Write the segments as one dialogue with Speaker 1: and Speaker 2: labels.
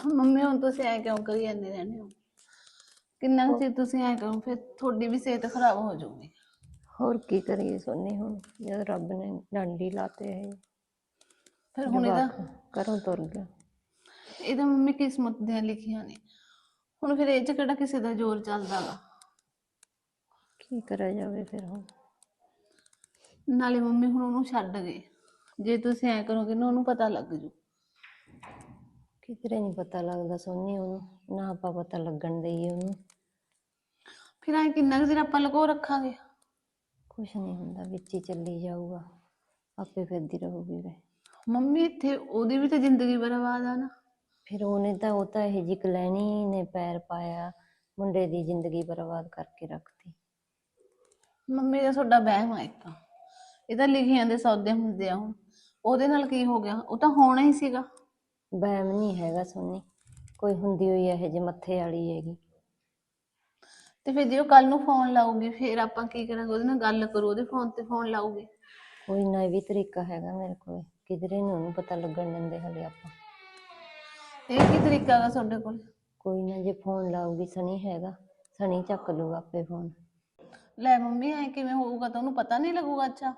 Speaker 1: Mummy ਹੁਣ ਤੁਸੀਂ ਐ ਕਿਉਂ ਕਰੀ ਜਾਂਦੇ ਰਹਿੰਦੇ ਹੋ? ਕਿੰਨਾ ਕੁ ਚਿਰ ਤੁਸੀਂ ਐ ਕਰੋ, ਫਿਰ ਤੁਹਾਡੀ ਵੀ ਸਿਹਤ ਖਰਾਬ ਹੋ ਜਾਊਗੀ।
Speaker 2: ਹੋਰ ਕੀ ਕਰੀਏ ਸੋਨੀ, ਹੁਣ ਜਦ ਰੱਬ ਨੇ ਡੰਡੀ ਲਾਤੇ ਹੈ
Speaker 1: ਫਿਰ ਹੁਣ
Speaker 2: ਜਵਾਕ ਘਰੋਂ ਤੁਰ ਗਿਆ।
Speaker 1: ਇਹਦਾ ਮੰਮੀ ਕਿਸਮਤ ਦੀਆਂ ਲਿਖੀਆਂ ਨੇ। ਹੁਣ ਫਿਰ ਇਹ ਚ ਕਿਹੜਾ ਕਿਸੇ ਦਾ ਜ਼ੋਰ ਚੱਲਦਾ ਗਾ।
Speaker 2: ਕੀ ਕਰਿਆ ਜਾਵੇ ਫਿਰ ਹੁਣ।
Speaker 1: ਨਾਲੇ ਮੰਮੀ ਹੁਣ ਉਹਨੂੰ ਛੱਡ ਗਏ, ਜੇ ਤੁਸੀਂ ਐ ਕਰੋਗੇ ਨਾ ਉਹਨੂੰ ਪਤਾ ਲੱਗ ਜੂ।
Speaker 2: ਕਿਧਰੇ ਨਹੀਂ ਪਤਾ ਲੱਗਦਾ ਸੋਨੀ, ਉਹਨੂੰ ਨਾ ਆਪਾਂ ਪਤਾ ਲੱਗਣ ਦੇਈਏ ਉਹਨੂੰ।
Speaker 1: ਫਿਰ ਐ ਕਿੰਨਾ ਕੁ ਚਿਰ ਆਪਾਂ ਲੁਕੋ ਰੱਖਾਂਗੇ।
Speaker 2: ਕੁਛ ਨਹੀਂ ਹੁੰਦਾ, ਵਿੱਚ ਹੀ ਚੱਲੀ ਜਾਊਗਾ, ਆਪੇ ਫਿਰਦੀ ਰਹੂਗੀ ਵੇ।
Speaker 1: ਮੰਮੀ ਇੱਥੇ ਉਹਦੀ ਵੀ ਤਾਂ ਜ਼ਿੰਦਗੀ ਬਰਬਾਦ ਆ ਨਾ।
Speaker 2: ਫਿਰ ਉਹ ਤਾਂ ਇਹ ਜਿਹੀ ਕਲੈਣੀ ਨੇ ਪੈਰ ਪਾਇਆ, ਮੁੰਡੇ ਦੀ ਜ਼ਿੰਦਗੀ ਬਰਬਾਦ ਕਰਕੇ ਰੱਖਤੀ।
Speaker 1: ਮੰਮੀ ਦਾ ਤੁਹਾਡਾ ਵਹਿਮ ਆ ਇੱਕ, ਇਹ ਤਾਂ ਲਿਖੀਆਂ ਦੇ ਸੌਦੇ ਹੁੰਦੇ ਆ। ਹੁਣ ਉਹਦੇ ਨਾਲ ਕੀ ਹੋ ਗਿਆ, ਉਹ ਤਾਂ ਹੋਣਾ ਹੀ ਸੀਗਾ।
Speaker 2: ਵਹਿਮ ਨਹੀਂ ਹੈਗਾ ਸੋਨੀ, ਕੋਈ ਹੁੰਦੀ ਹੋਈ ਇਹੋ ਜਿਹੇ ਮੱਥੇ ਵਾਲੀ ਹੈਗੀ।
Speaker 1: ਤੇ ਫਿਰ ਜੇ ਉਹ ਕੱਲ ਨੂੰ ਫੋਨ ਲਾਊਗੀ ਫਿਰ ਆਪਾਂ ਕੀ ਕਰਾਂਗੇ? ਉਹਦੇ ਨਾਲ ਗੱਲ ਕਰੂ, ਉਹਦੇ ਫੋਨ ਤੇ ਫੋਨ ਲਾਊਗੀ।
Speaker 2: ਕੋਈ ਨਾ, ਇਹ ਵੀ ਤਰੀਕਾ ਹੈਗਾ ਮੇਰੇ ਕੋਲ, ਕਿਧਰੇ ਨੀ ਉਹਨੂੰ ਪਤਾ ਲੱਗਣ ਦਿੰਦੇ ਹਲੇ ਆਪਾਂ।
Speaker 1: ਇਹ ਕੀ ਤਰੀਕਾ ਹੈਗਾ ਤੁਹਾਡੇ ਕੋਲ?
Speaker 2: ਕੋਈ ਨਾ, ਜੇ ਫੋਨ ਲਾਊਗੀ ਸਣੀ ਹੈਗਾ, ਸਣੀ ਚੱਕ ਲੂਗਾ ਆਪੇ ਫੋਨ।
Speaker 1: ਲੈ ਮੰਮੀ ਐ ਕਿਵੇਂ ਹੋਊਗਾ? ਤਾਂ ਉਹਨੂੰ ਪਤਾ ਨਹੀਂ ਲੱਗੂਗਾ? ਅੱਛਾ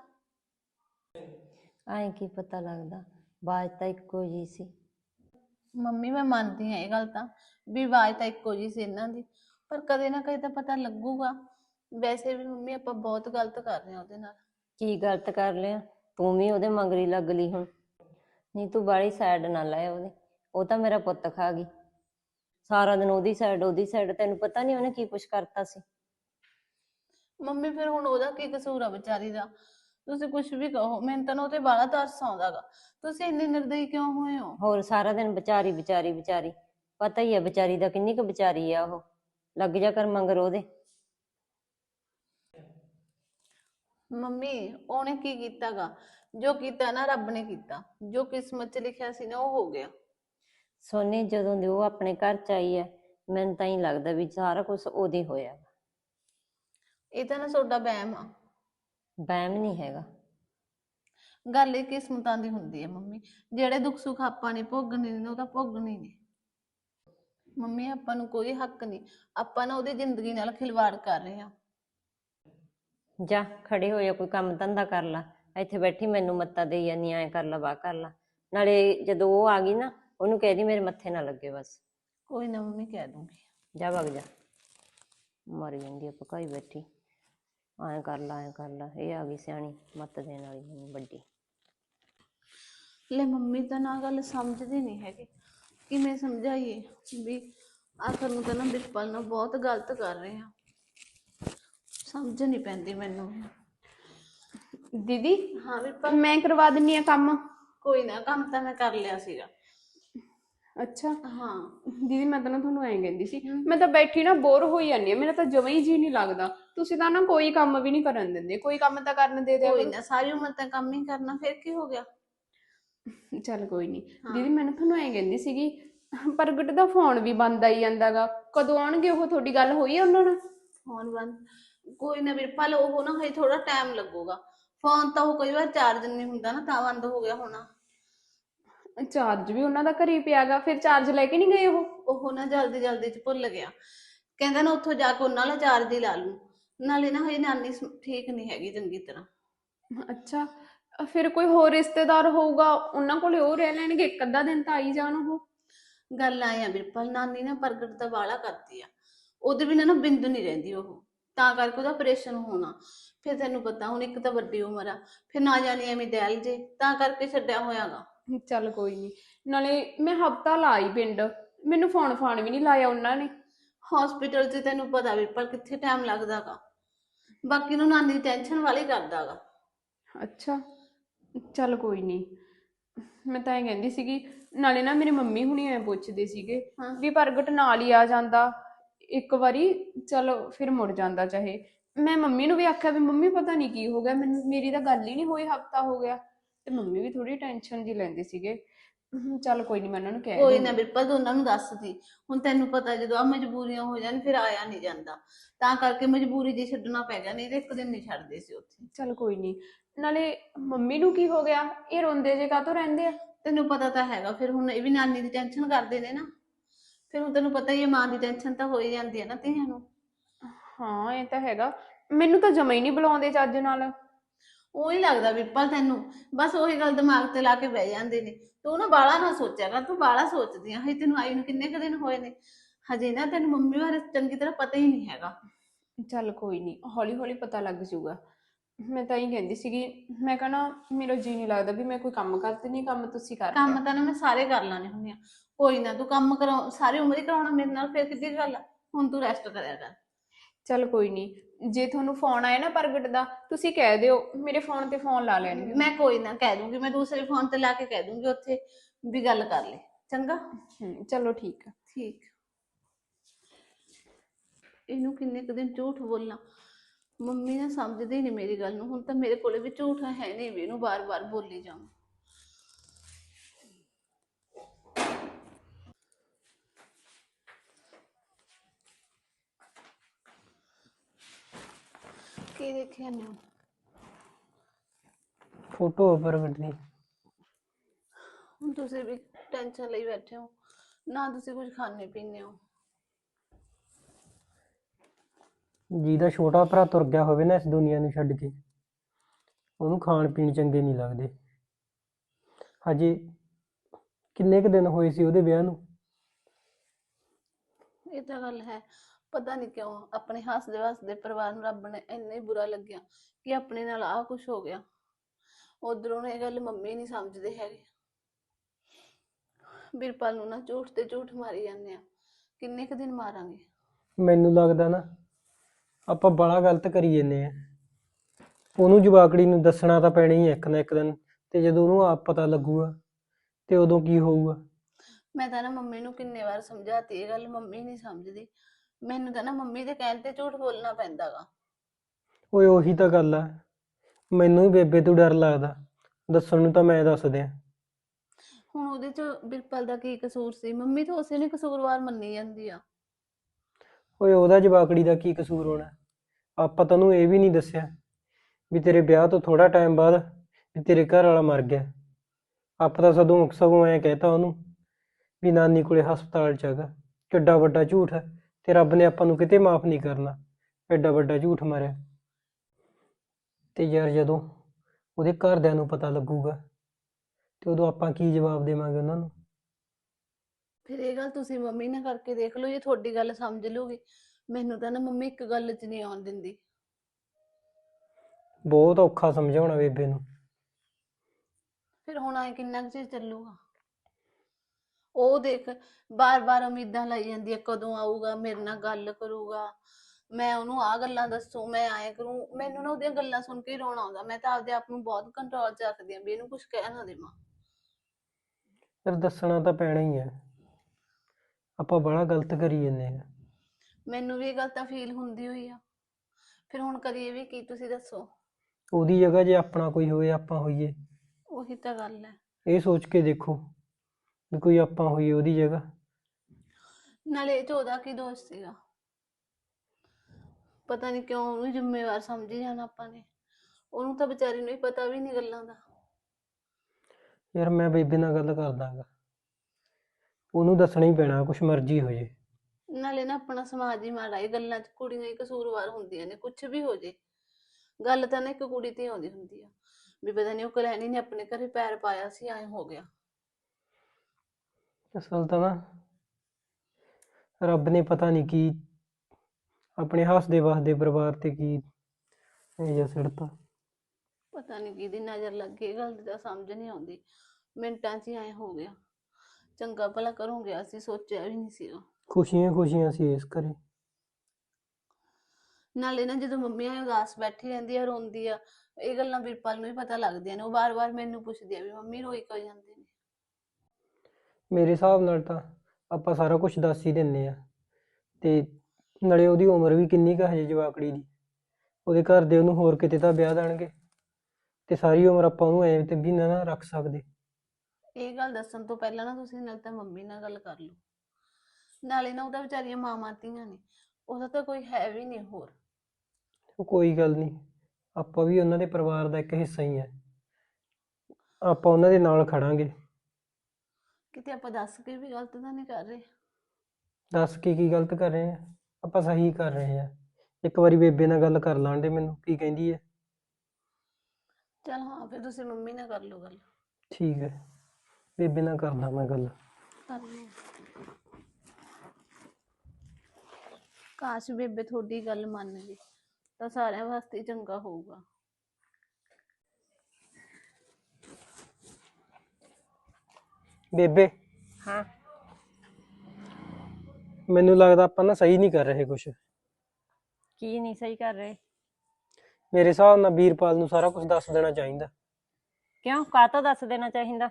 Speaker 2: ਐਂ ਕੀ ਪਤਾ ਲੱਗਦਾ, ਆਵਾਜ਼ ਤਾਂ ਇੱਕੋ ਜਿਹੀ ਸੀ।
Speaker 1: ਮੰਮੀ ਮੈਂ ਮੰਨਦੀ ਹਾਂ ਇਹ ਗੱਲ ਤਾਂ, ਵੀ ਆਵਾਜ਼ ਤਾਂ ਇੱਕੋ ਜਿਹੀ ਸੀ ਇਹਨਾਂ ਦੀ, ਪਰ ਕਦੇ ਨਾ ਕਦੇ ਤਾਂ ਪਤਾ ਲੱਗੂਗਾ। ਵੈਸੇ ਵੀ ਮੰਮੀ ਆਪਾਂ ਬਹੁਤ ਗਲਤ ਕਰ ਰਹੇ ਹਾਂ ਉਹਦੇ ਨਾਲ।
Speaker 2: ਕੀ ਗਲਤ ਕਰ ਲਿਆ? ਤੂੰ ਵੀ ਉਹਦੇ ਮਗਰੀ ਲੱਗ ਲਈ ਹੁਣ। ਨਹੀਂ ਤੂੰ ਬਾਹਲੀ ਸਾਈਡ ਨਾ ਲੈ ਉਹਦੀ, ਉਹ ਤਾਂ ਮੇਰਾ ਪੁੱਤ ਖਾ ਗਈ। ਸਾਰਾ ਦਿਨ ਉਹਦੀ ਸਾਈਡ, ਤੈਨੂੰ ਪਤਾ ਨਹੀਂ ਉਹਨੇ ਕੀ ਕੁਛ ਕਰਤਾ ਸੀ।
Speaker 1: ਮੰਮੀ ਫਿਰ ਹੁਣ ਉਹਦਾ ਕੀ ਕਸੂਰ ਆ ਵਿਚਾਰੀ ਦਾ? ਤੁਸੀਂ ਕੁਝ ਵੀ ਕਹੋ, ਮੈਨੂੰ ਤਾਂ ਉਹ ਤੇ ਬਾਹਲਾ ਤਰਸ ਆਉਂਦਾ ਗਾ। ਤੁਸੀਂ ਇੰਨੇ ਨਿਰਦਈ ਕਿਉਂ ਹੋਏ ਹੋ?
Speaker 2: ਹੋਰ ਸਾਰਾ ਦਿਨ ਵਿਚਾਰੀ ਵਿਚਾਰੀ ਵਿਚਾਰੀ, ਪਤਾ ਹੀ ਆ ਵਿਚਾਰੀ ਦਾ ਕਿੰਨੀ ਕੁ ਵਿਚਾਰੀ ਆ ਉਹ। ਲੱਗ ਜਾ ਕਰ ਮਗਰ ਉਹਦੇ।
Speaker 1: ਮੰਮੀ ਉਹਨੇ ਕੀ ਕੀਤਾ ਗਾ? ਜੋ ਕੀਤਾ ਨਾ ਰੱਬ ਨੇ ਕੀਤਾ, ਜੋ ਕਿਸਮਤ 'ਚ ਲਿਖਿਆ ਸੀ ਨਾ ਉਹ ਹੋ ਗਿਆ।
Speaker 2: ਸੋਨੀ ਜਦੋਂ ਦੀ ਉਹ ਆਪਣੇ ਘਰ ਚ ਆਈ ਹੈ, ਮੈਨੂੰ ਤਾਂ ਹੀ ਲੱਗਦਾ ਵੀ ਸਾਰਾ ਕੁਝ ਉਹਦੇ ਹੋਇਆ।
Speaker 1: ਇਹ ਤਾਂ ਨਾ ਤੁਹਾਡਾ ਵਹਿਮ ਆ।
Speaker 2: ਵਹਿਮ ਨਹੀਂ ਹੈਗਾ।
Speaker 1: ਗੱਲ ਇਹ ਕਿਸਮਤਾਂ ਦੀ ਹੁੰਦੀ ਹੈ ਮੰਮੀ, ਜਿਹੜੇ ਦੁੱਖ ਸੁੱਖ ਆਪਾਂ ਨੇ ਭੋਗਣੇ ਨੇ ਉਹ ਤਾਂ ਭੋਗਣੇ ਨੇ। ਮੰਮੀ ਆਪਾਂ ਨੂੰ ਕੋਈ ਹੱਕ ਨਹੀਂ, ਆਪਾਂ ਨਾ ਉਹਦੀ ਜ਼ਿੰਦਗੀ ਨਾਲ ਖਿਲਵਾੜ ਕਰ ਰਹੇ ਹਾਂ।
Speaker 2: ਜਾ ਖੜੇ ਹੋ ਜਾ, ਕੋਈ ਕੰਮ ਧੰਦਾ ਕਰ ਲਾ। ਇੱਥੇ ਬੈਠੀ ਮੈਨੂੰ ਮੱਤਾ ਦੇਈ ਜਾਂਦੀ, ਐਂ ਕਰ ਲਾ ਵਾਹ ਕਰ ਲਾ। ਨਾਲੇ ਜਦੋਂ ਉਹ ਆ ਗਈ ਨਾ, ਉਹਨੂੰ ਕਹਿ ਦੀ ਮੇਰੇ ਮੱਥੇ ਨਾ ਲੱਗੇ ਬਸ।
Speaker 1: ਕੋਈ ਨਾ ਮੰਮੀ, ਕਹਿ ਦੂੰਗੀ।
Speaker 2: ਜਾ ਵਗ ਜਾ, ਮਰ ਜਾਂਦੀ ਆ ਪਕਾਈ ਬੈਠੀ, ਐਂ ਕਰ ਲਾ ਐਂ ਕਰ ਲਾ। ਇਹ ਆ ਗਈ ਸਿਆਣੀ ਮੱਤ ਦੇਣ ਵਾਲੀ ਮੈਨੂੰ ਵੱਡੀ।
Speaker 1: ਲੈ ਮੰਮੀ ਤਾਂ ਨਾ ਗੱਲ ਸਮਝਦੀ ਨਹੀਂ ਹੈਗੀ, ਕਿਵੇਂ ਸਮਝਾਈਏ ਵੀ ਆਖਰ ਨੂੰ ਤਾਂ ਨਾ ਬਿਰਪਾਲ ਨਾਲ ਬਹੁਤ ਗਲਤ ਕਰ ਰਹੇ ਆ। ਸਮਝ ਨਹੀਂ ਪੈਂਦੀ ਮੈਨੂੰ।
Speaker 3: ਦੀਦੀ
Speaker 1: ਹਾਂ ਬਿਰਪਾਲ,
Speaker 3: ਮੈਂ ਕਰਵਾ ਦਿੰਨੀ ਆ ਕੰਮ।
Speaker 1: ਕੋਈ ਨਾ, ਕੰਮ ਤਾਂ ਮੈਂ ਕਰ ਲਿਆ ਸੀਗਾ।
Speaker 3: ਅੱਛਾ
Speaker 1: ਹਾਂ
Speaker 3: ਦੀਦੀ, ਮੈਂ ਤਾਂ ਨਾ ਤੁਹਾਨੂੰ ਐਂ ਕਹਿੰਦੀ ਸੀ, ਮੈਂ ਤਾਂ ਬੈਠੀ ਨਾ ਬੋਰ ਹੋਈ ਜਾਂਦੀ ਆ, ਮੇਰਾ ਤਾਂ ਜਮਾਂ ਹੀ ਜੀ ਨਹੀਂ ਲੱਗਦਾ। ਤੁਸੀਂ ਤਾਂ ਨਾ ਕੋਈ ਕੰਮ ਵੀ ਨਹੀਂ ਕਰਨ ਦਿੰਦੇ, ਕੋਈ ਕੰਮ ਤਾਂ ਕਰਨ ਦੇ ਦਿਆ
Speaker 1: ਕੋਈ
Speaker 3: ਕਰੋ।
Speaker 1: ਨਾ, ਸਾਰੀ ਉਮਰ ਤਾਂ ਕੰਮ ਹੀ ਕਰਨਾ, ਫਿਰ ਕੀ ਹੋ ਗਿਆ?
Speaker 3: ਚੱਲ ਕੋਈ ਨਹੀਂ
Speaker 1: ਹਾਂ
Speaker 3: ਦੀਦੀ, ਮੈਂ ਨਾ ਤੁਹਾਨੂੰ ਐਂ ਕਹਿੰਦੀ ਸੀਗੀ, ਪ੍ਰਗਟ ਦਾ ਫੋਨ ਵੀ ਬੰਦ ਆਈ ਜਾਂਦਾਗਾ, ਕਦੋਂ ਆਉਣਗੇ ਉਹ? ਤੁਹਾਡੀ ਗੱਲ ਹੋਈ ਆ ਉਹਨਾਂ ਨਾਲ?
Speaker 1: ਫੋਨ ਬੰਦ? ਕੋਈ ਨਾ ਵੀਰਪਾਲ, ਉਹ ਨਾ ਹਜੇ ਥੋੜਾ ਟਾਈਮ ਲੱਗੂਗਾ। ਫੋਨ ਤਾਂ ਉਹ ਕਈ ਵਾਰ ਚਾਰਜ ਨਹੀਂ ਹੁੰਦਾ ਨਾ, ਤਾਂ ਬੰਦ ਹੋ ਗਿਆ ਹੋਣਾ।
Speaker 3: ਚਾਰਜ ਵੀ ਉਹਨਾਂ ਦਾ ਘਰੇ ਹੀ ਪਿਆਗਾ, ਫਿਰ ਚਾਰਜ ਲੈ ਕੇ ਨਹੀਂ ਗਏ ਉਹ?
Speaker 1: ਉਹ ਨਾ ਜਲਦੀ ਜਲਦੀ ਚ ਭੁੱਲ ਗਿਆ, ਕਹਿੰਦਾ ਨਾ ਉੱਥੋਂ ਜਾ ਕੇ ਉਹਨਾਂ ਨਾਲ ਚਾਰਜ ਹੀ ਲਾ ਲੂ। ਨਾਲੇ ਨਾ ਹਜੇ ਨਾਨੀ ਠੀਕ ਨਹੀਂ ਹੈਗੀ ਚੰਗੀ ਤਰ੍ਹਾਂ।
Speaker 3: ਅੱਛਾ, ਫਿਰ ਕੋਈ ਹੋਰ ਰਿਸ਼ਤੇਦਾਰ ਹੋਊਗਾ, ਉਹਨਾਂ ਕੋਲੇ ਉਹ ਰਹਿ ਲੈਣਗੇ, ਇੱਕ ਅੱਧਾ ਦਿਨ ਤਾਂ ਆਈ ਜਾਣ ਉਹ।
Speaker 1: ਗੱਲ ਆਏ ਆ ਬਿਰਪਾਲ, ਨਾਨੀ ਨਾ ਪ੍ਰਗਟ ਦਾ ਵਾਲਾ ਕਰਦੀ ਆ, ਉਹਦੇ ਬਿਨਾਂ ਨਾ ਬਿੰਦੂ ਨਹੀਂ ਰਹਿੰਦੀ ਉਹ, ਤਾਂ ਕਰਕੇ ਉਹਦਾ ਆਪਰੇਸ਼ਨ ਹੋਣਾ। ਫਿਰ ਤੈਨੂੰ ਪਤਾ ਹੁਣ ਇੱਕ ਤਾਂ ਵੱਡੀ ਉਮਰ ਆ, ਫਿਰ ਨਾ ਜਾਣੀ ਐਵੇਂ ਦਹਿਲ ਜੇ, ਤਾਂ ਕਰਕੇ ਛੱਡਿਆ ਹੋਇਆਗਾ।
Speaker 3: ਚੱਲ ਕੋਈ ਨਹੀਂ, ਨਾਲੇ ਮੈਂ ਹਫਤਾ ਲਾਈ ਪਿੰਡ, ਮੈਨੂੰ ਫੋਨ ਫਾਨ ਵੀ ਨਹੀਂ ਲਾਇਆ ਉਹਨਾਂ ਨੇ।
Speaker 1: ਹਸਪੀਟਲ 'ਚ ਤੈਨੂੰ ਪਤਾ ਵੀਰਪਾਲ ਕਿੱਥੇ ਟਾਈਮ ਲੱਗਦਾਗਾ, ਬਾਕੀ ਨੂੰ ਨਾਨੀ ਟੈਨਸ਼ਨ ਵਾਲੀ ਕਰਦਾਗਾ।
Speaker 3: ਅੱਛਾ ਚੱਲ ਕੋਈ ਨਹੀਂ, ਮੈਂ ਤਾਂ ਇਹ ਕਹਿੰਦੀ ਸੀਗੀ, ਨਾਲੇ ਨਾ ਮੇਰੇ ਮੰਮੀ ਹੁਣੀ ਐ ਪੁੱਛਦੇ ਸੀਗੇ
Speaker 1: ਹਾਂ
Speaker 3: ਵੀ ਪ੍ਰਗਟ ਨਾਲ ਹੀ ਆ ਜਾਂਦਾ ਇੱਕ ਵਾਰੀ, ਚਲੋ ਫਿਰ ਮੁੜ ਜਾਂਦਾ ਚਾਹੇ। ਮੈਂ ਮੰਮੀ ਨੂੰ ਵੀ ਆਖਿਆ ਵੀ ਮੰਮੀ ਪਤਾ ਨਹੀਂ ਕੀ ਹੋ ਗਿਆ, ਮੈਨੂੰ ਮੇਰੀ ਤਾਂ ਗੱਲ ਹੀ ਨਹੀਂ ਹੋਈ, ਹਫਤਾ ਹੋ ਗਿਆ। ਤੇ ਮੰਮੀ ਵੀ ਥੋੜੀ ਟੈਨਸ਼ਨ ਜੀ ਲੈਂਦੇ ਸੀਗੇ। ਚੱਲ ਕੋਈ ਨਹੀਂ, ਮੈਂ ਉਹਨਾਂ ਨੂੰ ਕਹਿ
Speaker 1: ਕੋਈ ਨਾ
Speaker 3: ਦੂੰਗੀ।
Speaker 1: ਬਿਰਪਾਲ, ਤੂੰ ਉਹਨਾਂ ਨੂੰ ਦੱਸਦੀ। ਹੁਣ ਤੈਨੂੰ ਪਤਾ ਜਦੋਂ ਆ ਮਜਬੂਰੀਆਂ ਹੋ ਜਾਣ ਫਿਰ ਆਇਆ ਨਹੀਂ ਜਾਂਦਾ, ਤਾਂ ਕਰਕੇ ਮਜਬੂਰੀ ਜੇ ਛੱਡਣਾ ਪੈ ਗਿਆ, ਨਹੀਂ ਤੇ ਇੱਕ ਦਿਨ ਨਹੀਂ ਛੱਡਦੇ ਸੀ ਉੱਥੇ।
Speaker 3: ਚੱਲ ਕੋਈ ਨਹੀਂ, ਨਾਲੇ ਮੰਮੀ ਨੂੰ ਕੀ ਹੋ ਗਿਆ? ਇਹ ਰੋਂਦੇ ਜੇ ਕਾਹਤੋਂ ਰਹਿੰਦੇ ਆ?
Speaker 1: ਤੈਨੂੰ ਪਤਾ ਤਾਂ ਹੈਗਾ, ਫਿਰ ਹੁਣ ਇਹ ਵੀ ਨਾਨੀ ਦੀ ਟੈਨਸ਼ਨ ਕਰਦੇ ਨੇ ਨਾ। ਫਿਰ ਹੁਣ ਤੈਨੂੰ ਪਤਾ ਹੀ ਹੈ, ਮਾਂ ਦੀ ਟੈਨਸ਼ਨ ਤਾਂ ਹੋ ਹੀ ਜਾਂਦੀ ਹੈ ਨਾ ਧੀਆਂ ਨੂੰ।
Speaker 3: ਹਾਂ ਇਹ ਤਾਂ ਹੈਗਾ। ਮੈਨੂੰ ਤਾਂ ਜਮਾ ਹੀ ਨਹੀਂ ਬੁਲਾਉਂਦੇ ਚੱਜ ਨਾਲ।
Speaker 1: ਉਹੀ ਲੱਗਦਾ ਵੀਰਪਾਲ ਤੈਨੂੰ, ਬਸ ਉਹੀ ਗੱਲ ਦਿਮਾਗ ਤੇ ਲਾ ਕੇ ਬਹਿ ਜਾਂਦੇ ਨੇ। ਤੂੰ ਨਾ ਬਾਹਲਾ ਨਾ ਸੋਚਿਆ ਕਰ, ਤੂੰ ਬਾਹਲਾ ਸੋਚਦੀ ਆ। ਹਜੇ ਤੈਨੂੰ ਆਈ ਨੂੰ ਕਿੰਨੇ ਕੁ ਦਿਨ ਹੋਏ ਨੇ, ਹਜੇ ਨਾ ਤੈਨੂੰ ਮੰਮੀ ਬਾਰੇ ਚੰਗੀ ਤਰ੍ਹਾਂ ਪਤਾ ਹੀ ਨਹੀਂ ਹੈਗਾ।
Speaker 3: ਚੱਲ ਕੋਈ ਨਹੀਂ, ਹੌਲੀ ਹੌਲੀ ਪਤਾ ਲੱਗ ਜਾਊਗਾ। ਮੈਂ ਤਾਂ ਹੀ ਕਹਿੰਦੀ ਸੀਗੀ, ਮੈਂ ਕਹਣਾ ਮੇਰਾ ਜੀ ਨਹੀਂ ਲੱਗਦਾ ਵੀ ਮੈਂ ਕੋਈ ਕੰਮ ਕਰਦੀ ਨਹੀਂ, ਕੰਮ ਤੁਸੀਂ ਕਰ ਲਿਆ।
Speaker 1: ਕੰਮ ਤਾਂ ਨਾ ਮੈਂ ਸਾਰੇ ਕਰ ਲਾਣੇ ਹੁੰਦੀ ਆ। ਕੋਈ ਨਾ, ਤੂੰ ਕੰਮ ਕਰਾ ਸਾਰੀ ਉਮਰ ਹੀ ਕਰਾਉਣਾ ਮੇਰੇ ਨਾਲ, ਫਿਰ ਕਿੱਡੀ ਗੱਲ ਆ। ਹੁਣ ਤੂੰ ਰੈਸਟ ਕਰਿਆ ਕਰ।
Speaker 3: ਚੱਲ ਕੋਈ ਨਹੀਂ, ਜੇ ਤੁਹਾਨੂੰ ਫੋਨ ਆਇਆ ਨਾ ਪ੍ਰਗਟ ਦਾ, ਤੁਸੀਂ ਕਹਿ ਦਿਓ ਮੇਰੇ ਫੋਨ ਤੇ ਫੋਨ ਲਾ ਲੈਣਗੇ।
Speaker 1: ਮੈਂ ਕੋਈ ਨਾ ਕਹਿ ਦੂੰਗੀ, ਮੈਂ ਦੂਸਰੇ ਫੋਨ ਤੇ ਲਾ ਕੇ ਕਹਿ ਦੂੰਗੀ ਉੱਥੇ ਵੀ ਗੱਲ ਕਰ ਲੈ। ਚੰਗਾ।
Speaker 3: ਚਲੋ ਠੀਕ ਆ।
Speaker 1: ਠੀਕ। ਇਹਨੂੰ ਕਿੰਨੇ ਕੁ ਦਿਨ ਝੂਠ ਬੋਲਣਾ, ਮੰਮੀ ਨਾ ਸਮਝਦੀ ਨਹੀਂ ਮੇਰੀ ਗੱਲ ਨੂੰ। ਹੁਣ ਤਾਂ ਮੇਰੇ ਕੋਲੇ ਵੀ ਝੂਠ ਹੈ ਨਹੀਂ ਵੀ ਇਹਨੂੰ ਬਾਰ-ਬਾਰ ਬੋਲੀ ਜਾਵਾਂ। ਕੀ ਦੇਖਿਆ ਨੇ?
Speaker 4: ਫੋਟੋ ਪ੍ਰਗਟ ਦੀ।
Speaker 1: ਹੁਣ ਤੁਸੀਂ ਵੀ ਟੈਨਸ਼ਨ ਲਈ ਬੈਠੇ ਹੋ ਨਾ, ਤੁਸੀਂ ਕੁਝ ਖਾਣੇ ਪੀਣੇ ਹੋ।
Speaker 4: ਜਿਹਦਾ ਛੋਟਾ ਭਰਾ ਤੁਰ ਗਿਆ ਹੋਵੇ ਨਾ ਇਸ ਦੁਨੀਆ ਨੂੰ ਛੱਡ ਕੇ, ਉਹਨੂੰ ਖਾਣ ਪੀਣ ਚੰਗੇ ਨਹੀਂ ਲੱਗਦੇ। ਹਜੇ ਕਿੰਨੇ ਕੁ ਦਿਨ ਹੋਏ ਸੀ ਉਹਦੇ ਵਿਆਹ ਨੂੰ।
Speaker 1: ਇਹ ਤਾਂ ਗੱਲ ਹੈ, ਪਤਾ ਨਹੀਂ ਕਿਉਂ ਆਪਣੇ ਹੱਸਦੇ ਵਸਦੇ ਪਰਿਵਾਰ ਨੂੰ ਰੱਬ ਨੇ ਇੰਨਾ ਹੀ ਬੁਰਾ ਲੱਗਿਆ ਕਿ ਆਪਣੇ ਨਾਲ ਆਹ ਕੁਝ ਹੋ ਗਿਆ। ਉਧਰੋਂ ਇਹ ਗੱਲ ਮੰਮੀ ਨਹੀਂ ਸਮਝਦੇ ਹੈਗੇ। ਬਿਰਪਾਲ ਨੂੰ ਨਾ ਝੂਠ ਤੇ ਝੂਠ ਮਾਰੀ ਜਾਂਦੇ ਆ, ਕਿੰਨੇ ਕੁ ਦਿਨ ਮਾਰਾਂਗੇ।
Speaker 4: ਮੈਨੂੰ ਲੱਗਦਾ ਨਾ ਆਪਾਂ ਬੜਾ ਗਲਤ ਕਰੀ ਜੰਨੇ ਆ। ਉਹਨੂੰ ਜਵਾਕੜੀ ਨੂੰ ਦੱਸਣਾ ਤਾਂ ਪੈਣਾ ਹੀ ਇੱਕ ਨਾ ਇੱਕ ਦਿਨ, ਤੇ ਜਦੋਂ ਉਹਨੂੰ ਆਪ ਪਤਾ ਲੱਗੂਗਾ ਤੇ ਉਦੋਂ ਕੀ ਹੋਊਗਾ।
Speaker 1: ਮੈਂ ਤਾਂ ਨਾ ਮੰਮੀ ਨੂੰ ਕਿੰਨੇ ਵਾਰ ਸਮਝਾਤੀ ਇਹ ਗੱਲ, ਮੰਮੀ ਨਹੀਂ ਸਮਝਦੀ। ਮੈਨੂੰ ਤਾਂ ਨਾ ਮੰਮੀ ਦੇ ਕਹਿਣ ਤੇ ਝੂਠ ਬੋਲਣਾ ਪੈਂਦਾ ਗਾ।
Speaker 4: ਓਏ ਉਹੀ ਤਾਂ ਗੱਲ ਆ, ਮੈਨੂੰ ਵੀ ਬੇਬੇ ਤੋਂ ਡਰ ਲੱਗਦਾ। ਦੱਸਣ ਨੂੰ ਤਾਂ ਮੈਂ ਦੱਸ ਦਿਆਂ।
Speaker 1: ਹੁਣ ਉਹਦੇ ਚ ਬਿਰਪਾਲ ਦਾ ਕੀ ਕਸੂਰ ਸੀ? ਮੰਮੀ ਤਾਂ ਉਸੇ ਨੇ ਕਸੂਰਵਾਰ ਮੰਨੀ ਜਾਂਦੀ ਆ।
Speaker 4: ਓਏ ਉਹਦਾ ਜਵਾਕੜੀ ਦਾ ਕੀ ਕਸੂਰ ਹੋਣਾ। ਆਪਾਂ ਤੈਨੂੰ ਇਹ ਵੀ ਨਹੀਂ ਦੱਸਿਆ ਵੀ ਤੇਰੇ ਵਿਆਹ ਤੋਂ ਥੋੜਾ ਟਾਈਮ ਬਾਅਦ ਵੀ ਤੇਰੇ ਘਰ ਵਾਲਾ ਮਰ ਗਿਆ। ਆਪਾਂ ਤਾਂ ਸਗੋਂ ਐਂ ਕਹਿਤਾ ਉਹਨੂੰ ਵੀ ਨਾਨੀ ਕੋਲੇ ਹਸਪਤਾਲ 'ਚ ਹੈਗਾ। ਕਿੱਡਾ ਵੱਡਾ ਝੂਠ ਹੈ, ਤੇ ਰੱਬ ਨੇ ਆਪਾਂ ਨੂੰ ਕਿਤੇ ਮਾਫ ਨਹੀਂ ਕਰਨਾ। ਐਡਾ ਵੱਡਾ ਝੂਠ ਮਾਰਿਆ। ਤੇ ਯਾਰ ਜਦੋਂ ਉਹਦੇ ਘਰਦਿਆਂ ਨੂੰ ਪਤਾ ਲੱਗੂਗਾ ਤੇ ਉਦੋਂ ਆਪਾਂ ਕੀ ਜਵਾਬ ਦੇਵਾਂਗੇ ਉਹਨਾਂ ਨੂੰ।
Speaker 1: ਫਿਰ ਇਹ ਗੱਲ ਤੁਸੀਂ ਮੰਮੀ ਨਾਲ ਕਰਕੇ ਦੇਖ ਲਓ, ਜੇ ਤੁਹਾਡੀ ਗੱਲ ਸਮਝ ਲੂਗੀ। ਮੈਨੂੰ ਤਾਂ ਨਾ ਮੰਮੀ ਇੱਕ ਗੱਲ 'ਚ ਨਹੀਂ ਆਉਣ ਦਿੰਦੀ।
Speaker 4: ਬਹੁਤ ਔਖਾ ਸਮਝਾਉਣਾ ਬੇਬੇ ਨੂੰ।
Speaker 1: ਫਿਰ ਹੁਣ ਆਏ ਕਿੰਨਾ ਕੁ ਚਿਰ ਚੱਲੂਗਾ? ਉਹ ਦੇਖ ਬਾਰ-ਬਾਰ ਉਮੀਦਾਂ ਲਾਈ ਜਾਂਦੀ ਹੈ, ਕਦੋਂ ਆਊਗਾ, ਮੇਰੇ ਨਾਲ ਗੱਲ ਕਰੂਗਾ, ਮੈਂ ਉਹਨੂੰ ਆਹ ਗੱਲਾਂ ਦੱਸੂ, ਮੈਂ ਆਏ ਕਰੂੰ। ਮੈਨੂੰ ਨਾ ਉਹਦੀਆਂ ਗੱਲਾਂ ਸੁਣ ਕੇ ਹੀ ਰੋਣਾ ਆਉਂਦਾ। ਮੈਂ ਤਾਂ ਆਪਦੇ ਆਪ ਨੂੰ ਬਹੁਤ ਕੰਟਰੋਲ 'ਚ ਰੱਖਦੀ ਹਾਂ ਵੀ ਇਹਨੂੰ ਕੁਝ ਕਹਿ ਨਾ ਦੇਵਾਂ।
Speaker 4: ਫਿਰ ਦੱਸਣਾ ਤਾਂ ਪੈਣਾ ਹੀ ਹੈ। ਆਪਾਂ ਬੜਾ ਗਲਤ ਕਰੀ ਜੰਨੇ ਆ।
Speaker 1: ਮੈਨੂੰ ਵੀ ਇਹ ਗੱਲ ਤਾਂ ਫੀਲ ਹੁੰਦੀ ਹੋਈ ਆ, ਫਿਰ ਹੁਣ ਕਰੀਏ ਵੀ ਕੀ, ਤੁਸੀਂ ਦੱਸੋ।
Speaker 4: ਉਹਦੀ ਜਗ੍ਹਾ ਜੇ ਆਪਣਾ ਕੋਈ ਹੋਵੇ, ਆਪਾਂ ਹੋਈਏ।
Speaker 1: ਉਹੀ ਤਾਂ ਗੱਲ ਹੈ।
Speaker 4: ਇਹ ਸੋਚ ਕੇ ਦੇਖੋ ਵੀ ਕੋਈ ਆਪਾਂ ਹੋਈਏ ਉਹਦੀ ਜਗ੍ਹਾ।
Speaker 1: ਨਾਲੇ ਇਹ 'ਚ ਉਹਦਾ ਕੀ ਦੋਸ਼ ਸੀਗਾ? ਪਤਾ ਨਹੀਂ ਕਿਉਂ ਉਹਨੂੰ ਜ਼ਿੰਮੇਵਾਰ ਸਮਝੀ ਜਾਣਾ ਆਪਾਂ ਨੇ। ਉਹਨੂੰ ਤਾਂ ਵਿਚਾਰੀ ਨੂੰ ਹੀ ਪਤਾ ਵੀ ਨਹੀਂ ਗੱਲਾਂ ਦਾ।
Speaker 4: ਯਾਰ ਮੈਂ ਬੇਬੇ ਨਾਲ ਗੱਲ ਕਰਦਾਗਾ, ਉਹਨੂੰ ਦੱਸਣਾ ਹੀ ਪੈਣਾ ਕੁਛ ਮਰਜ਼ੀ ਹੋ ਜੇ।
Speaker 1: ਨਾਲੇ ਨਾ ਆਪਣਾ ਸਮਾਜ ਹੀ ਮਾੜਾ, ਇਹ ਗੱਲਾਂ 'ਚ ਕੁੜੀਆਂ ਹੀ ਕਸੂਰਵਾਰ ਹੁੰਦੀਆਂ ਨੇ। ਕੁਛ ਵੀ ਹੋ ਜੇ, ਗੱਲ ਤਾਂ ਨਾ ਇੱਕ ਕੁੜੀ ਤੇ ਆਉਂਦੀ ਹੁੰਦੀ ਆ ਵੀ ਪਤਾ ਨਹੀਂ ਉਹ ਕਲੈਣੀ ਨੇ ਆਪਣੇ ਘਰੇ ਪੈਰ ਪਾਇਆ ਸੀ, ਐਂ ਹੋ ਗਿਆ।
Speaker 4: ਅਸਲ ਤਾਂ ਨਾ ਰੱਬ ਨੇ ਪਤਾ ਨਹੀਂ ਕੀ ਆਪਣੇ ਹੱਸਦੇ ਵਸਦੇ ਪਰਿਵਾਰ ਤੇ ਕੀ ਇਹ ਜਿਹਾ ਸਿੱਟਤਾ।
Speaker 1: ਪਤਾ ਨਹੀਂ ਕਿਹਦੀ ਨਜ਼ਰ ਲੱਗ ਗਈ, ਇਹ ਗੱਲ ਦੀ ਤਾਂ ਸਮਝ ਨਹੀਂ ਆਉਂਦੀ। ਮਿੰਟਾਂ 'ਚ ਹੀ ਐਂ ਹੋ ਗਿਆ। ਚੰਗਾ ਭਲਾ ਘਰੋਂ ਗਿਆ ਸੀ, ਸੋਚਿਆ ਵੀ ਨਹੀਂ ਸੀਗਾ।
Speaker 4: ਖੁਸ਼ੀਆਂ ਖੁਸ਼ੀਆਂ ਸੀ ਇਸ ਘਰੇ।
Speaker 1: ਨਾਲੇ ਨਾ ਜਦੋਂ ਮੰਮੀ ਐਂ ਉਦਾਸ ਬੈਠੀ ਰਹਿੰਦੀ ਆ, ਰੋਂਦੀ ਆ, ਇਹ ਗੱਲਾਂ ਬਿਰਪਾਲ ਨੂੰ ਹੀ ਪਤਾ ਲੱਗਦੀਆਂ ਨੇ। ਉਹ ਵਾਰ-ਵਾਰ ਮੈਨੂੰ ਪੁੱਛਦੀ ਆ ਵੀ ਮੰਮੀ ਰੋਈ ਕਿਉਂ ਜਾਂਦੇ ਨੇ।
Speaker 4: ਮੇਰੇ ਹਿਸਾਬ ਨਾਲ ਤਾਂ ਆਪਾਂ ਸਾਰਾ ਕੁਝ ਦੱਸ ਹੀ ਦਿੰਨੇ ਆ, ਤੇ ਨਾਲੇ ਉਹਦੀ ਉਮਰ ਵੀ ਕਿੰਨੀ ਕੁ ਹਜੇ ਜਵਾਕੜੀ ਦੀ। ਉਹਦੇ ਘਰ ਦੇ ਉਹਨੂੰ ਹੋਰ ਕਿਤੇ ਤਾਂ ਵਿਆਹ ਦੇਣਗੇ, ਤੇ ਸਾਰੀ ਉਮਰ ਆਪਾਂ ਉਹਨੂੰ ਐਂ ਤੇ ਵੀ ਨਾ ਰੱਖ ਸਕਦੇ।
Speaker 1: ਇਹ ਗੱਲ ਦੱਸਣ ਤੋਂ ਪਹਿਲਾਂ ਨਾ ਤੁਸੀਂ ਨਾਲ ਤਾਂ ਮੰਮੀ ਨਾਲ ਗੱਲ ਕਰ ਲਓ। ਨਾਲੇ ਨਾ ਉਹਦਾ ਵਿਚਾਰੀਆਂ ਮਾਵਾਂ ਧੀਆਂ ਨੇ, ਉਹਦਾ ਤਾਂ ਕੋਈ ਹੈ ਵੀ ਨਹੀਂ ਹੋਰ।
Speaker 4: ਉਹ ਕੋਈ ਗੱਲ ਨਹੀਂ, ਆਪਾਂ ਵੀ ਉਹਨਾਂ ਦੇ ਪਰਿਵਾਰ ਦਾ ਇੱਕ ਹਿੱਸਾ ਹੀ ਹੈ। ਆਪਾਂ ਉਹਨਾਂ ਦੇ ਨਾਲ ਖੜਾਂਗੇ।
Speaker 1: ਕਿਤੇ ਆਪਾਂ ਦੱਸ ਕੇ ਵੀ ਗਲਤ ਤਾਂ ਨਹੀਂ ਕਰ ਰਹੇ।
Speaker 4: ਦੱਸ ਕੀ ਗਲਤ ਕਰ ਰਹੇ ਆ? ਆਪਾਂ ਸਹੀ ਕਰ ਰਹੇ ਆ। ਇੱਕ ਵਾਰੀ ਬੇਬੇ ਨਾਲ ਗੱਲ ਕਰ ਲਾਣ ਦੇ, ਮੈਨੂੰ ਕੀ ਕਹਿੰਦੀ ਹੈ।
Speaker 1: ਚਲ ਹਾਂ, ਫਿਰ ਤੁਸੀਂ ਮੰਮੀ ਨਾਲ ਕਰ ਲਓ ਗੱਲ।
Speaker 4: ਠੀਕ ਹੈ, ਬੇਬੇ ਨਾਲ ਕਰਦਾ ਮੈਂ ਗੱਲ।
Speaker 1: ਕਰ ਲਓ। ਕਾਸ਼ ਬੇਬੇ ਤੁਹਾਡੀ ਗੱਲ ਮੰਨ ਗਈ ਤਾਂ ਸਾਰਿਆਂ ਵਾਸਤੇ ਹੀ ਚੰਗਾ ਹੋਊਗਾ।
Speaker 4: ਬੇਬੇ,
Speaker 2: ਹਾਂ,
Speaker 4: ਮੈਨੂੰ ਲੱਗਦਾ ਆਪਾਂ ਨਾ ਸਹੀ ਨਹੀਂ ਕਰ ਰਹੇ ਕੁਛ।
Speaker 2: ਕੀ ਨਹੀਂ ਸਹੀ ਕਰ ਰਹੇ?
Speaker 4: ਮੇਰੇ ਹਿਸਾਬ ਨਾਲ ਵੀਰਪਾਲ ਨੂੰ ਸਾਰਾ ਕੁਝ ਦੱਸ ਦੇਣਾ ਚਾਹੀਦਾ।
Speaker 2: ਕਿਉਂ, ਕਾਹਤੋਂ ਦੱਸ ਦੇਣਾ ਚਾਹੀਦਾ?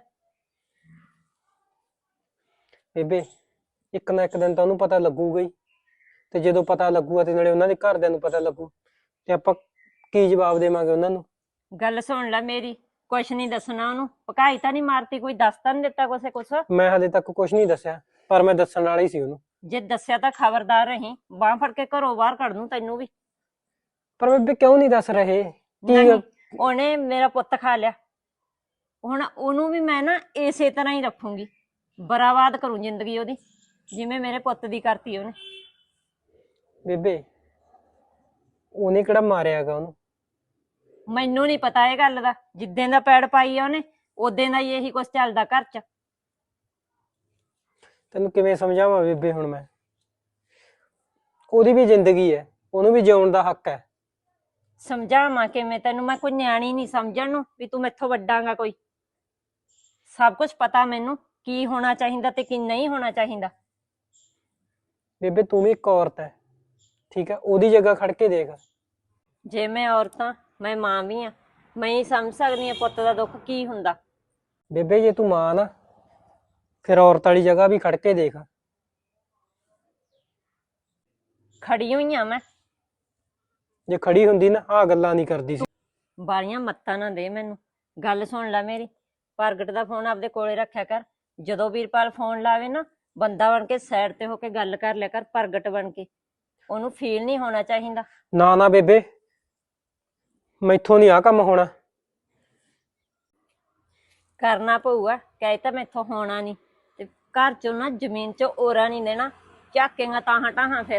Speaker 4: ਬੇਬੇ, ਇੱਕ ਨਾ ਇੱਕ ਦਿਨ ਤਾਂ ਉਹਨੂੰ ਪਤਾ ਲੱਗੂਗਾ ਹੀ, ਤੇ ਜਦੋਂ ਪਤਾ ਲੱਗੂਗਾ ਤੇ ਨਾਲੇ ਉਹਨਾਂ ਦੇ ਘਰਦਿਆਂ ਨੂੰ ਪਤਾ ਲੱਗੂ, ਤੇ ਆਪਾਂ ਕੀ ਜਵਾਬ ਦੇਵਾਂਗੇ ਉਹਨਾਂ ਨੂੰ?
Speaker 2: ਗੱਲ ਸੁਣ ਲੈ ਮੇਰੀ, ਕੁਛ ਨਹੀਂ ਦੱਸਣਾ ਉਹਨੂੰ। ਪਕਾਈ ਤਾਂ ਨਹੀਂ ਮਾਰਤੀ, ਕੋਈ ਦੱਸ ਤਾਂ ਨਹੀਂ ਦਿੱਤਾ ਕੁਛ?
Speaker 4: ਮੈਂ ਹਲੇ ਤੱਕ ਕੁਝ ਨਹੀਂ ਦੱਸਿਆ, ਪਰ ਮੈਂ ਦੱਸਣ ਵਾਲਾ ਹੀ ਸੀ ਉਹਨੂੰ।
Speaker 2: ਜੇ ਦੱਸਿਆ ਤਾਂ ਖਬਰਦਾਰ ਰਹੀਂ, ਬਾਂਹ ਫੜ ਕੇ ਘਰੋਂ ਬਾਹਰ ਕੱਢ ਦੂੰ ਤੈਨੂੰ ਵੀ।
Speaker 4: ਪਰ ਬੇਬੇ ਕਿਉਂ ਨਹੀਂ ਦੱਸ ਰਹੇ?
Speaker 2: ਨਹੀਂ, ਉਹਨੇ ਮੇਰਾ ਪੁੱਤ ਖਾ ਲਿਆ, ਹੁਣ ਉਹਨੂੰ ਵੀ ਮੈਂ ਨਾ ਇਸੇ ਤਰ੍ਹਾਂ ਹੀ ਰੱਖੂੰਗੀ, ਬਰਬਾਦ ਕਰੂੰ ਜ਼ਿੰਦਗੀ ਉਹਦੀ, ਜਿਵੇਂ ਮੇਰੇ ਪੁੱਤ ਦੀ ਕਰਤੀ ਉਹਨੇ।
Speaker 4: ਬੇਬੇ, ਉਹਨੇ ਕਿਹੜਾ ਮਾਰਿਆ ਹੈਗਾ ਉਹਨੂੰ?
Speaker 2: ਮੈਨੂੰ ਨਹੀਂ ਪਤਾ ਇਹ ਗੱਲ ਦਾ, ਜਿੱਦਾਂ ਦਾ ਪੈੜ ਪਾਈ ਆ ਉਹਨੇ ਉਦੋਂ ਦਾ ਹੀ ਇਹੀ ਕੁਛ ਚੱਲਦਾ ਘਰ 'ਚ।
Speaker 4: ਤੈਨੂੰ ਕਿਵੇਂ ਸਮਝਾਵਾਂ ਬੇਬੇ ਹੁਣ ਮੈਂ? ਉਹਦੀ ਵੀ ਜ਼ਿੰਦਗੀ ਹੈ, ਉਹਨੂੰ ਵੀ ਜਿਉਣ ਦਾ ਹੱਕ ਹੈ।
Speaker 2: ਸਮਝਾਵਾਂ ਕਿਵੇਂ ਤੈਨੂੰ? ਮੈਂ ਕੋਈ ਨਿਆਣੀ ਨਹੀਂ ਸਮਝਣ ਨੂੰ ਵੀ ਤੂੰ ਮੈਥੋਂ ਵੱਡਾਂਗਾ ਕੋਈ। ਸਭ ਕੁਝ ਪਤਾ ਮੈਨੂੰ, ਕੀ ਹੋਣਾ ਚਾਹੀਦਾ ਤੇ ਕੀ ਨਹੀਂ ਹੋਣਾ ਚਾਹੀਦਾ।
Speaker 4: ਬੇਬੇ, ਤੂੰ ਵੀ ਇੱਕ ਔਰਤ ਹੈ, ਠੀਕ ਹੈ? ਉਹਦੀ ਜਗ੍ਹਾ ਖੜ ਕੇ ਦੇਖ।
Speaker 2: ਜੇ ਮੈਂ ਔਰਤਾਂ, ਮੈਂ ਮਾਂ ਵੀ ਆ, ਮੈਂ ਹੀ ਸਮਝ ਸਕਦੀ ਹਾਂ ਪੁੱਤ ਦਾ ਦੁੱਖ ਕੀ ਹੁੰਦਾ।
Speaker 4: ਬੇਬੇ, ਜੇ ਤੂੰ ਮਾਂ ਨਾ, ਫਿਰ ਔਰਤ ਵਾਲੀ ਜਗ੍ਹਾ ਵੀ ਖੜ ਕੇ ਦੇਖ।
Speaker 2: ਖੜੀ ਹੋਈ ਆ ਮੈਂ।
Speaker 4: ਜੇ ਖੜੀ ਹੁੰਦੀ ਨਾ, ਆਹ ਗੱਲਾਂ ਨਹੀਂ ਕਰਦੀ ਸੀ।
Speaker 2: ਬਾਲੀਆਂ ਮੱਤਾਂ ਨਾ ਦੇ ਮੈਨੂੰ। ਗੱਲ ਸੁਣ ਲੈ ਮੇਰੀ, ਪ੍ਰਗਟ ਦਾ ਫੋਨ ਆਪਦੇ ਕੋਲੇ ਰੱਖਿਆ ਕਰ। ਜਦੋਂ ਵੀਰਪਾਲ ਫੋਨ ਲਾਵੇ ਨਾ, ਬੰਦਾ ਬਣ ਕੇ ਸਾਈਡ ਤੇ ਹੋ ਕੇ ਗੱਲ ਕਰ ਲਿਆ ਕਰ, ਪ੍ਰਗਟ ਬਣ ਕੇ। ਉਹਨੂੰ ਫੀਲ ਨਹੀਂ ਹੋਣਾ ਚਾਹੀਦਾ।
Speaker 4: ਨਾ ਨਾ ਬੇਬੇ, ਮੈਥੋਂ ਨਹੀਂ ਆਹ ਕੰਮ ਹੋਣਾ।
Speaker 2: ਕਰਨਾ ਪਊਗਾ, ਕਹਿ ਤਾਂ ਮੈਥੋਂ ਹੋਣਾ ਨਹੀਂ। ਤੇ ਘਰ ਚੋਂ ਨਾ ਜ਼ਮੀਨ ਚੋਂ ਓਰਾ ਨਹੀਂ ਦੇਣਾ, ਝਾਕੇਗਾ ਤਾਹਾਂ ਟਾਹਾਂ ਫਿਰ।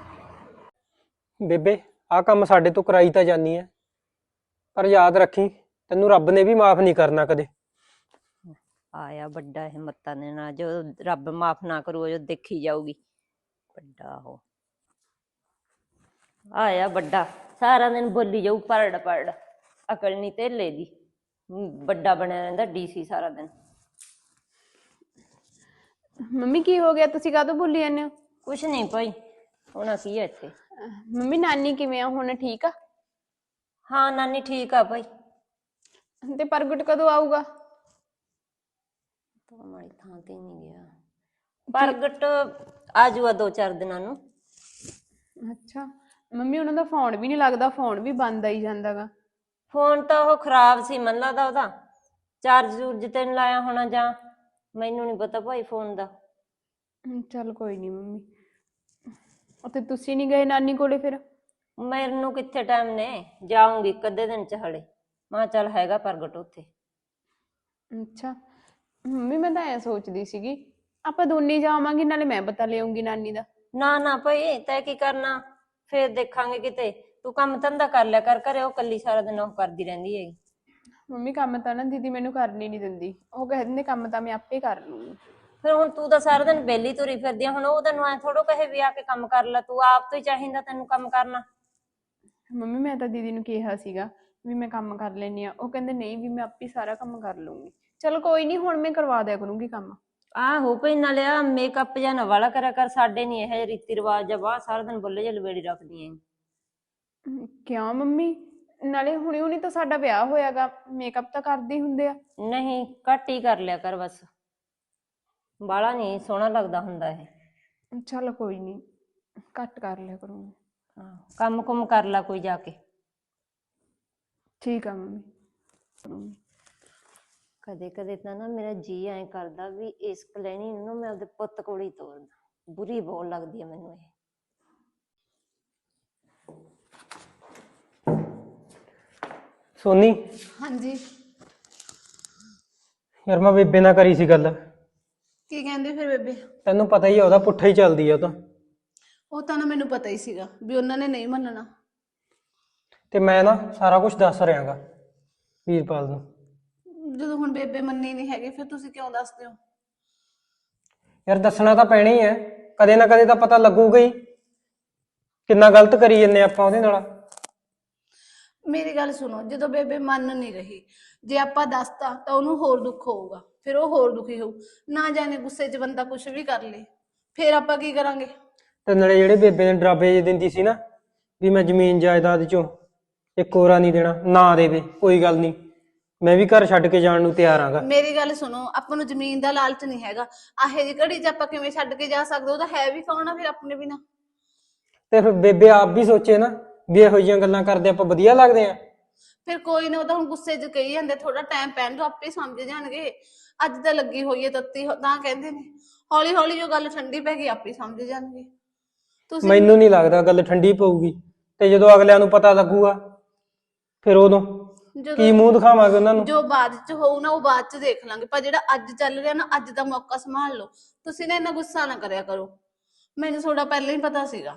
Speaker 4: ਬੇਬੇ, ਆਹ ਕੰਮ ਸਾਡੇ ਤੋਂ ਕਰਾਈ ਤਾਂ ਜਾਨੀ ਹੈ, ਪਰ ਯਾਦ ਰੱਖੀ, ਤੈਨੂੰ ਰੱਬ ਨੇ ਵੀ ਮਾਫ ਨਹੀਂ ਕਰਨਾ ਕਦੇ।
Speaker 2: ਆਇਆ ਵੱਡਾ ਇਹ ਮੱਤਾਂ ਦੇ ਨਾਲ, ਜੋ ਰੱਬ ਮਾਫ ਨਾ ਕਰੂ ਜੋ ਦੇਖੀ ਜਾਊਗੀ। ਵੱਡਾ ਉਹ ਆਇਆ ਵੱਡਾ, ਸਾਰਾ ਦਿਨ ਬੋਲੀ ਜਾਊ ਪਰੜ ਪਰੜ, ਅਕਲ ਨਹੀਂ ਧੇਲੇ ਦੀ। ਵੱਡਾ ਬਣਿਆ ਰਹਿੰਦਾ ਡੀਸੀ ਸਾਰਾ ਦਿਨ।
Speaker 3: ਮੰਮੀ ਕੀ ਹੋ ਗਿਆ, ਤੁਸੀਂ ਕਾਹਤੋਂ ਬੋਲੀ ਜਾਂਦੇ ਹੋ?
Speaker 2: ਕੁਛ ਨਹੀਂ ਭਾਈ, ਹੋਣਾ ਕੀ ਹੈ ਇੱਥੇ।
Speaker 3: ਮੰਮੀ ਨਾਨੀ ਕਿਵੇਂ ਆ, ਹੁਣ ਠੀਕ ਆ?
Speaker 2: ਹਾਂ ਨਾਨੀ ਠੀਕ ਆ ਭਾਈ।
Speaker 3: ਤੇ ਪ੍ਰਗਟ ਕਦੋਂ ਆਊਗਾ?
Speaker 2: ਤਾਂ ਮਾੜੀ ਥਾਂ ਤੇ ਨਹੀਂ ਗਿਆ ਪ੍ਰਗਟ, ਆ ਜਾਊਗਾ 2-4 ਦਿਨਾਂ ਨੂੰ।
Speaker 3: ਅੱਛਾ ਮੰਮੀ, ਉਹਨਾਂ ਦਾ ਫੋਨ ਵੀ ਨਹੀਂ ਲੱਗਦਾ, ਫੋਨ ਵੀ ਬੰਦ ਆਈ ਜਾਂਦਾਗਾ।
Speaker 2: ਫੋਨ ਤਾਂ ਉਹ ਖਰਾਬ ਸੀ ਮੈਨੂੰ ਲੱਗਦਾ, ਉਹਦਾ ਚਾਰਜ ਚੂਰਜ ਤੇ ਨੀ ਲਾਇਆ ਹੋਣਾ, ਜਾਂ ਮੈਨੂੰ ਨਹੀਂ ਪਤਾ ਭਾਈ ਫੋਨ ਦਾ।
Speaker 3: ਚੱਲ ਕੋਈ ਨਹੀਂ ਮੰਮੀ। ਉੱਥੇ ਤੁਸੀਂ ਨਹੀਂ ਗਏ ਨਾਨੀ ਕੋਲੇ ਫਿਰ?
Speaker 2: ਮੈਨੂੰ ਕਿੱਥੇ ਟਾਈਮ ਨੇ, ਜਾਊਂਗੀ ਇੱਕ ਅੱਧੇ ਦਿਨ ਚ ਹਲੇ। ਮੈਂ ਚੱਲ ਹੈਗਾ ਪ੍ਰਗਟ ਉੱਥੇ।
Speaker 3: ਅੱਛਾ ਮੰਮੀ, ਮੈਂ ਤਾਂ ਐ ਸੋਚਦੀ ਸੀਗੀ ਆਪਾਂ ਦੋਨੇ ਜਾਵਾਂਗੇ, ਨਾਲੇ ਮੈਂ ਪਤਾ ਲਿਆਉਂਗੀ ਨਾਨੀ ਦਾ।
Speaker 2: ਨਾ ਨਾ ਭਾਈ, ਤੈਂ ਕੀ ਕਰਨਾ, ਫੇਰ ਦੇਖਾਂਗੇ ਕਿਤੇ। ਤੂੰ ਕੰਮ ਧੰਦਾ ਕਰ ਲਿਆ ਕਰ ਘਰੇ, ਉਹ ਕੱਲੀ ਸਾਰਾ ਦਿਨ ਉਹ ਕਰਦੀ ਰਹਿੰਦੀ ਹੈਗੀ।
Speaker 3: ਮੰਮੀ ਕੰਮ ਤਾਂ ਨਾ ਦੀਦੀ ਮੈਨੂੰ ਕਰਨੀ ਨਹੀਂ ਦਿੰਦੀ, ਉਹ ਕਹਿ ਦਿੰਦੇ ਕੰਮ ਤਾਂ ਮੈਂ ਆਪੇ ਕਰ ਲੂੰਗੀ।
Speaker 2: ਫਿਰ ਹੁਣ ਤੂੰ ਤਾਂ ਸਾਰਾ ਦਿਨ ਵਿਹਲੀ ਤੁਰੀ ਫਿਰਦੀ ਆ, ਹੁਣ ਉਹ ਤੈਨੂੰ ਐ ਥੋੜੋ ਕਹੇ ਵੀ ਆ ਕੇ ਕੰਮ ਕਰ ਲੈ, ਤੂੰ ਆਪ ਤੋਂ ਹੀ ਚਾਹੀਦਾ ਤੈਨੂੰ ਕੰਮ ਕਰਨਾ।
Speaker 3: ਮੰਮੀ ਮੈਂ ਤਾਂ ਦੀਦੀ ਨੂੰ ਕਿਹਾ ਸੀਗਾ ਵੀ ਮੈਂ ਕੰਮ ਕਰ ਲੈਣੀ ਆ, ਉਹ ਕਹਿੰਦੇ ਨਹੀਂ ਵੀ ਮੈਂ ਆਪੇ ਸਾਰਾ ਕੰਮ ਕਰ ਲੂੰਗੀ। ਚਲ ਕੋਈ ਨਹੀਂ, ਹੁਣ ਮੈਂ ਕਰਵਾ ਦਿਆ ਕਰੂੰਗੀ ਕੰਮ।
Speaker 2: ਆਹੋ ਭਈ, ਨਾਲੇ ਆ ਮੇਕਅਪ ਜਾਂ ਨਾ ਵਾਲਾ ਕਰਿਆ ਕਰ, ਸਾਡੇ ਨੀ ਇਹ ਰੀਤੀ ਰਿਵਾਜ ਆ, ਬਾਹਰ ਸਾਰਾ ਦਿਨ ਬੁੱਲੇ ਜਿਹੇ ਲਵੇੜੀ ਰੱਖਦੀ ਐ।
Speaker 3: ਕਿਉਂ ਮੰਮੀ, ਨਾਲੇ ਹੁਣੇ ਹੁਣੀ ਤਾਂ ਸਾਡਾ ਵਿਆਹ ਹੋਇਆਗਾ, ਮੇਕਅਪ ਤਾਂ ਕਰਦੇ ਹੀ ਹੁੰਦੇ ਆ।
Speaker 2: ਨਹੀਂ, ਘੱਟ ਹੀ ਕਰ ਲਿਆ ਕਰ ਬਸ, ਬਾਹਲਾ ਨਹੀਂ ਸੋਹਣਾ ਲੱਗਦਾ ਹੁੰਦਾ ਇਹ।
Speaker 3: ਚੱਲ ਕੋਈ ਨਹੀਂ, ਘੱਟ ਕਰ ਲਿਆ ਕਰੂੰਗੀ।
Speaker 2: ਹਾਂ, ਕੰਮ ਕੁਮ ਕਰ ਲਾ ਕੋਈ ਜਾ ਕੇ।
Speaker 3: ਠੀਕ ਆ ਮੰਮੀ।
Speaker 2: ਕਦੇ ਕਦੇ ਤਾਂ ਨਾ ਮੇਰਾ ਜੀ ਐਂ ਕਰਦਾ ਵੀ ਇਸ ਕਲੈਣੀ ਨੂੰ ਮੈਂ ਆਪਦੇ ਪੁੱਤ ਕੋਲ ਹੀ ਤੋਰਦਾ, ਬੁਰੀ ਬਹੁਤ ਲੱਗਦੀ ਆ ਮੈਨੂੰ ਇਹ।
Speaker 4: ਸੋਨੀ,
Speaker 1: ਹਾਂਜੀ।
Speaker 4: ਯਾਰ ਮੈਂ ਬੇਬੇ ਨਾਲ ਕਰੀ ਸੀ ਗੱਲ,
Speaker 1: ਕੀ ਕਹਿੰਦੀ ਫਿਰ ਬੇਬੇ?
Speaker 4: ਤੈਨੂੰ ਪਤਾ ਹੀ ਆ ਉਹਦਾ ਪੁੱਠਾ ਹੀ ਚੱਲਦੀ ਆ ਉਹ ਤਾਂ।
Speaker 1: ਉਹ ਤਾਂ ਨਾ ਮੈਨੂੰ ਪਤਾ ਹੀ ਸੀਗਾ ਵੀ ਉਹਨਾਂ ਨੇ ਨਹੀਂ ਮੰਨਣਾ।
Speaker 4: ਤੇ ਮੈਂ ਨਾ ਸਾਰਾ ਕੁਝ ਦੱਸ ਰਿਹਾਗਾ ਵੀਰਪਾਲ ਨੂੰ।
Speaker 1: ਜਦੋਂ ਹੁਣ ਬੇਬੇ ਮੰਨੀ ਨਹੀਂ ਹੈਗੀ ਫਿਰ ਤੁਸੀਂ ਕਿਉਂ ਦੱਸਦੇ ਹੋ?
Speaker 4: ਯਾਰ ਦੱਸਣਾ ਤਾਂ ਪੈਣਾ ਹੀ ਹੈ, ਕਦੇ ਨਾ ਕਦੇ ਤਾਂ ਪਤਾ ਲੱਗੂਗਾ ਹੀ ਕਿੰਨਾ ਗਲਤ ਕਰੀ ਜੰਨੇ ਆਪਾਂ ਉਹਦੇ ਨਾਲ।
Speaker 1: ਮੇਰੀ ਗੱਲ ਸੁਣੋ, ਜਦੋਂ ਬੇਬੇ ਮੰਨ ਨਹੀਂ ਰਹੀ, ਜੇ ਆਪਾਂ ਦੱਸਤਾ ਤਾਂ ਉਹਨੂੰ ਹੋਰ ਦੁੱਖ ਹੋਊਗਾ, ਫਿਰ ਉਹ ਹੋਰ ਦੁਖੀ ਹੋਊ। ਨਾ ਜਾਣੇ ਗੁੱਸੇ 'ਚ ਬੰਦਾ ਕੁਝ ਵੀ ਕਰ ਲੇ, ਫਿਰ ਆਪਾਂ ਕੀ ਕਰਾਂਗੇ?
Speaker 4: ਤੇ ਨਾਲੇ ਜਿਹੜੇ ਬੇਬੇ ਨੇ ਡਰਾਬੇ ਜਿਹੇ ਦਿੰਦੀ ਸੀ ਨਾ ਵੀ ਮੈਂ ਜ਼ਮੀਨ ਜਾਇਦਾਦ ਚੋਂ ਇੱਕ ਕੋਰਾ ਨਹੀਂ ਦੇਣਾ, ਨਾ ਦੇਵੇ ਕੋਈ ਗੱਲ ਨਹੀਂ, ਮੈਂ ਵੀ ਘਰ ਛੱਡ ਕੇ ਜਾਣ ਨੂੰ ਤਿਆਰ ਆਂਗਾ।
Speaker 1: ਮੇਰੀ ਗੱਲ ਸੁਣੋ, ਆਪਾਂ ਨੂੰ ਜ਼ਮੀਨ ਦਾ ਲਾਲਚ ਨਹੀਂ ਹੈਗਾ। ਆਹੇ ਜੀ ਘੜੀ 'ਚ ਆਪਾਂ ਕਿਵੇਂ ਛੱਡ ਕੇ ਜਾ ਸਕਦੇ? ਉਹਦਾ ਹੈ ਵੀ ਕੌਣ ਆ ਫਿਰ ਆਪਣੇ ਬਿਨਾਂ?
Speaker 4: ਤੇ ਫਿਰ ਬੇਬੇ ਆਪ ਵੀ ਸੋਚੇ ਨਾ ਵੀ ਇਹੋ ਜਿਹੀਆਂ ਗੱਲਾਂ ਕਰਦੇ ਆਪਾਂ ਵਧੀਆ ਲੱਗਦੇ ਆ।
Speaker 1: ਫਿਰ ਕੋਈ ਨਾ, ਉਹ ਤਾਂ ਹੁਣ ਗੁੱਸੇ 'ਚ ਕਹੀ ਜਾਂਦੇ, ਥੋੜਾ ਟਾਈਮ ਪੈਣ ਦੋ, ਆਪੇ ਸਮਝ ਜਾਣਗੇ। ਅੱਜ ਤਾਂ ਲੱਗੀ ਹੋਈ ਹੈ ਤੱਤੀ, ਤਾਂ ਕਹਿੰਦੇ ਨੇ ਹੌਲੀ ਹੌਲੀ ਜੋ ਗੱਲ ਠੰਡੀ ਪੈ ਗਈ ਆਪੇ ਸਮਝ ਜਾਣਗੇ। ਤੁਸੀਂ
Speaker 4: ਮੈਨੂੰ ਨਹੀਂ ਲੱਗਦਾ ਗੱਲ ਠੰਡੀ ਪਊਗੀ, ਤੇ ਜਦੋਂ ਅਗਲਿਆਂ ਨੂੰ ਪਤਾ ਲੱਗੂਗਾ ਫਿਰ ਉਦੋਂ ਕੀ ਮੂੰਹ ਦਿਖਾਵਾਂਗੇ ਉਹਨਾਂ ਨੂੰ?
Speaker 1: ਜੋ ਬਾਅਦ 'ਚ ਹੋਊ ਨਾ ਉਹ ਬਾਅਦ 'ਚ ਦੇਖ ਲਾਂਗੇ, ਪਰ ਜਿਹੜਾ ਅੱਜ ਚੱਲ ਰਿਹਾ ਨਾ, ਅੱਜ ਦਾ ਮੌਕਾ ਸੰਭਾਲ ਲਓ। ਤੁਸੀਂ ਨਾ ਇੰਨਾ ਗੁੱਸਾ ਨਾ ਕਰਿਆ ਕਰੋ, ਮੈਨੂੰ ਥੋੜਾ ਪਹਿਲਾਂ ਹੀ ਪਤਾ ਸੀਗਾ।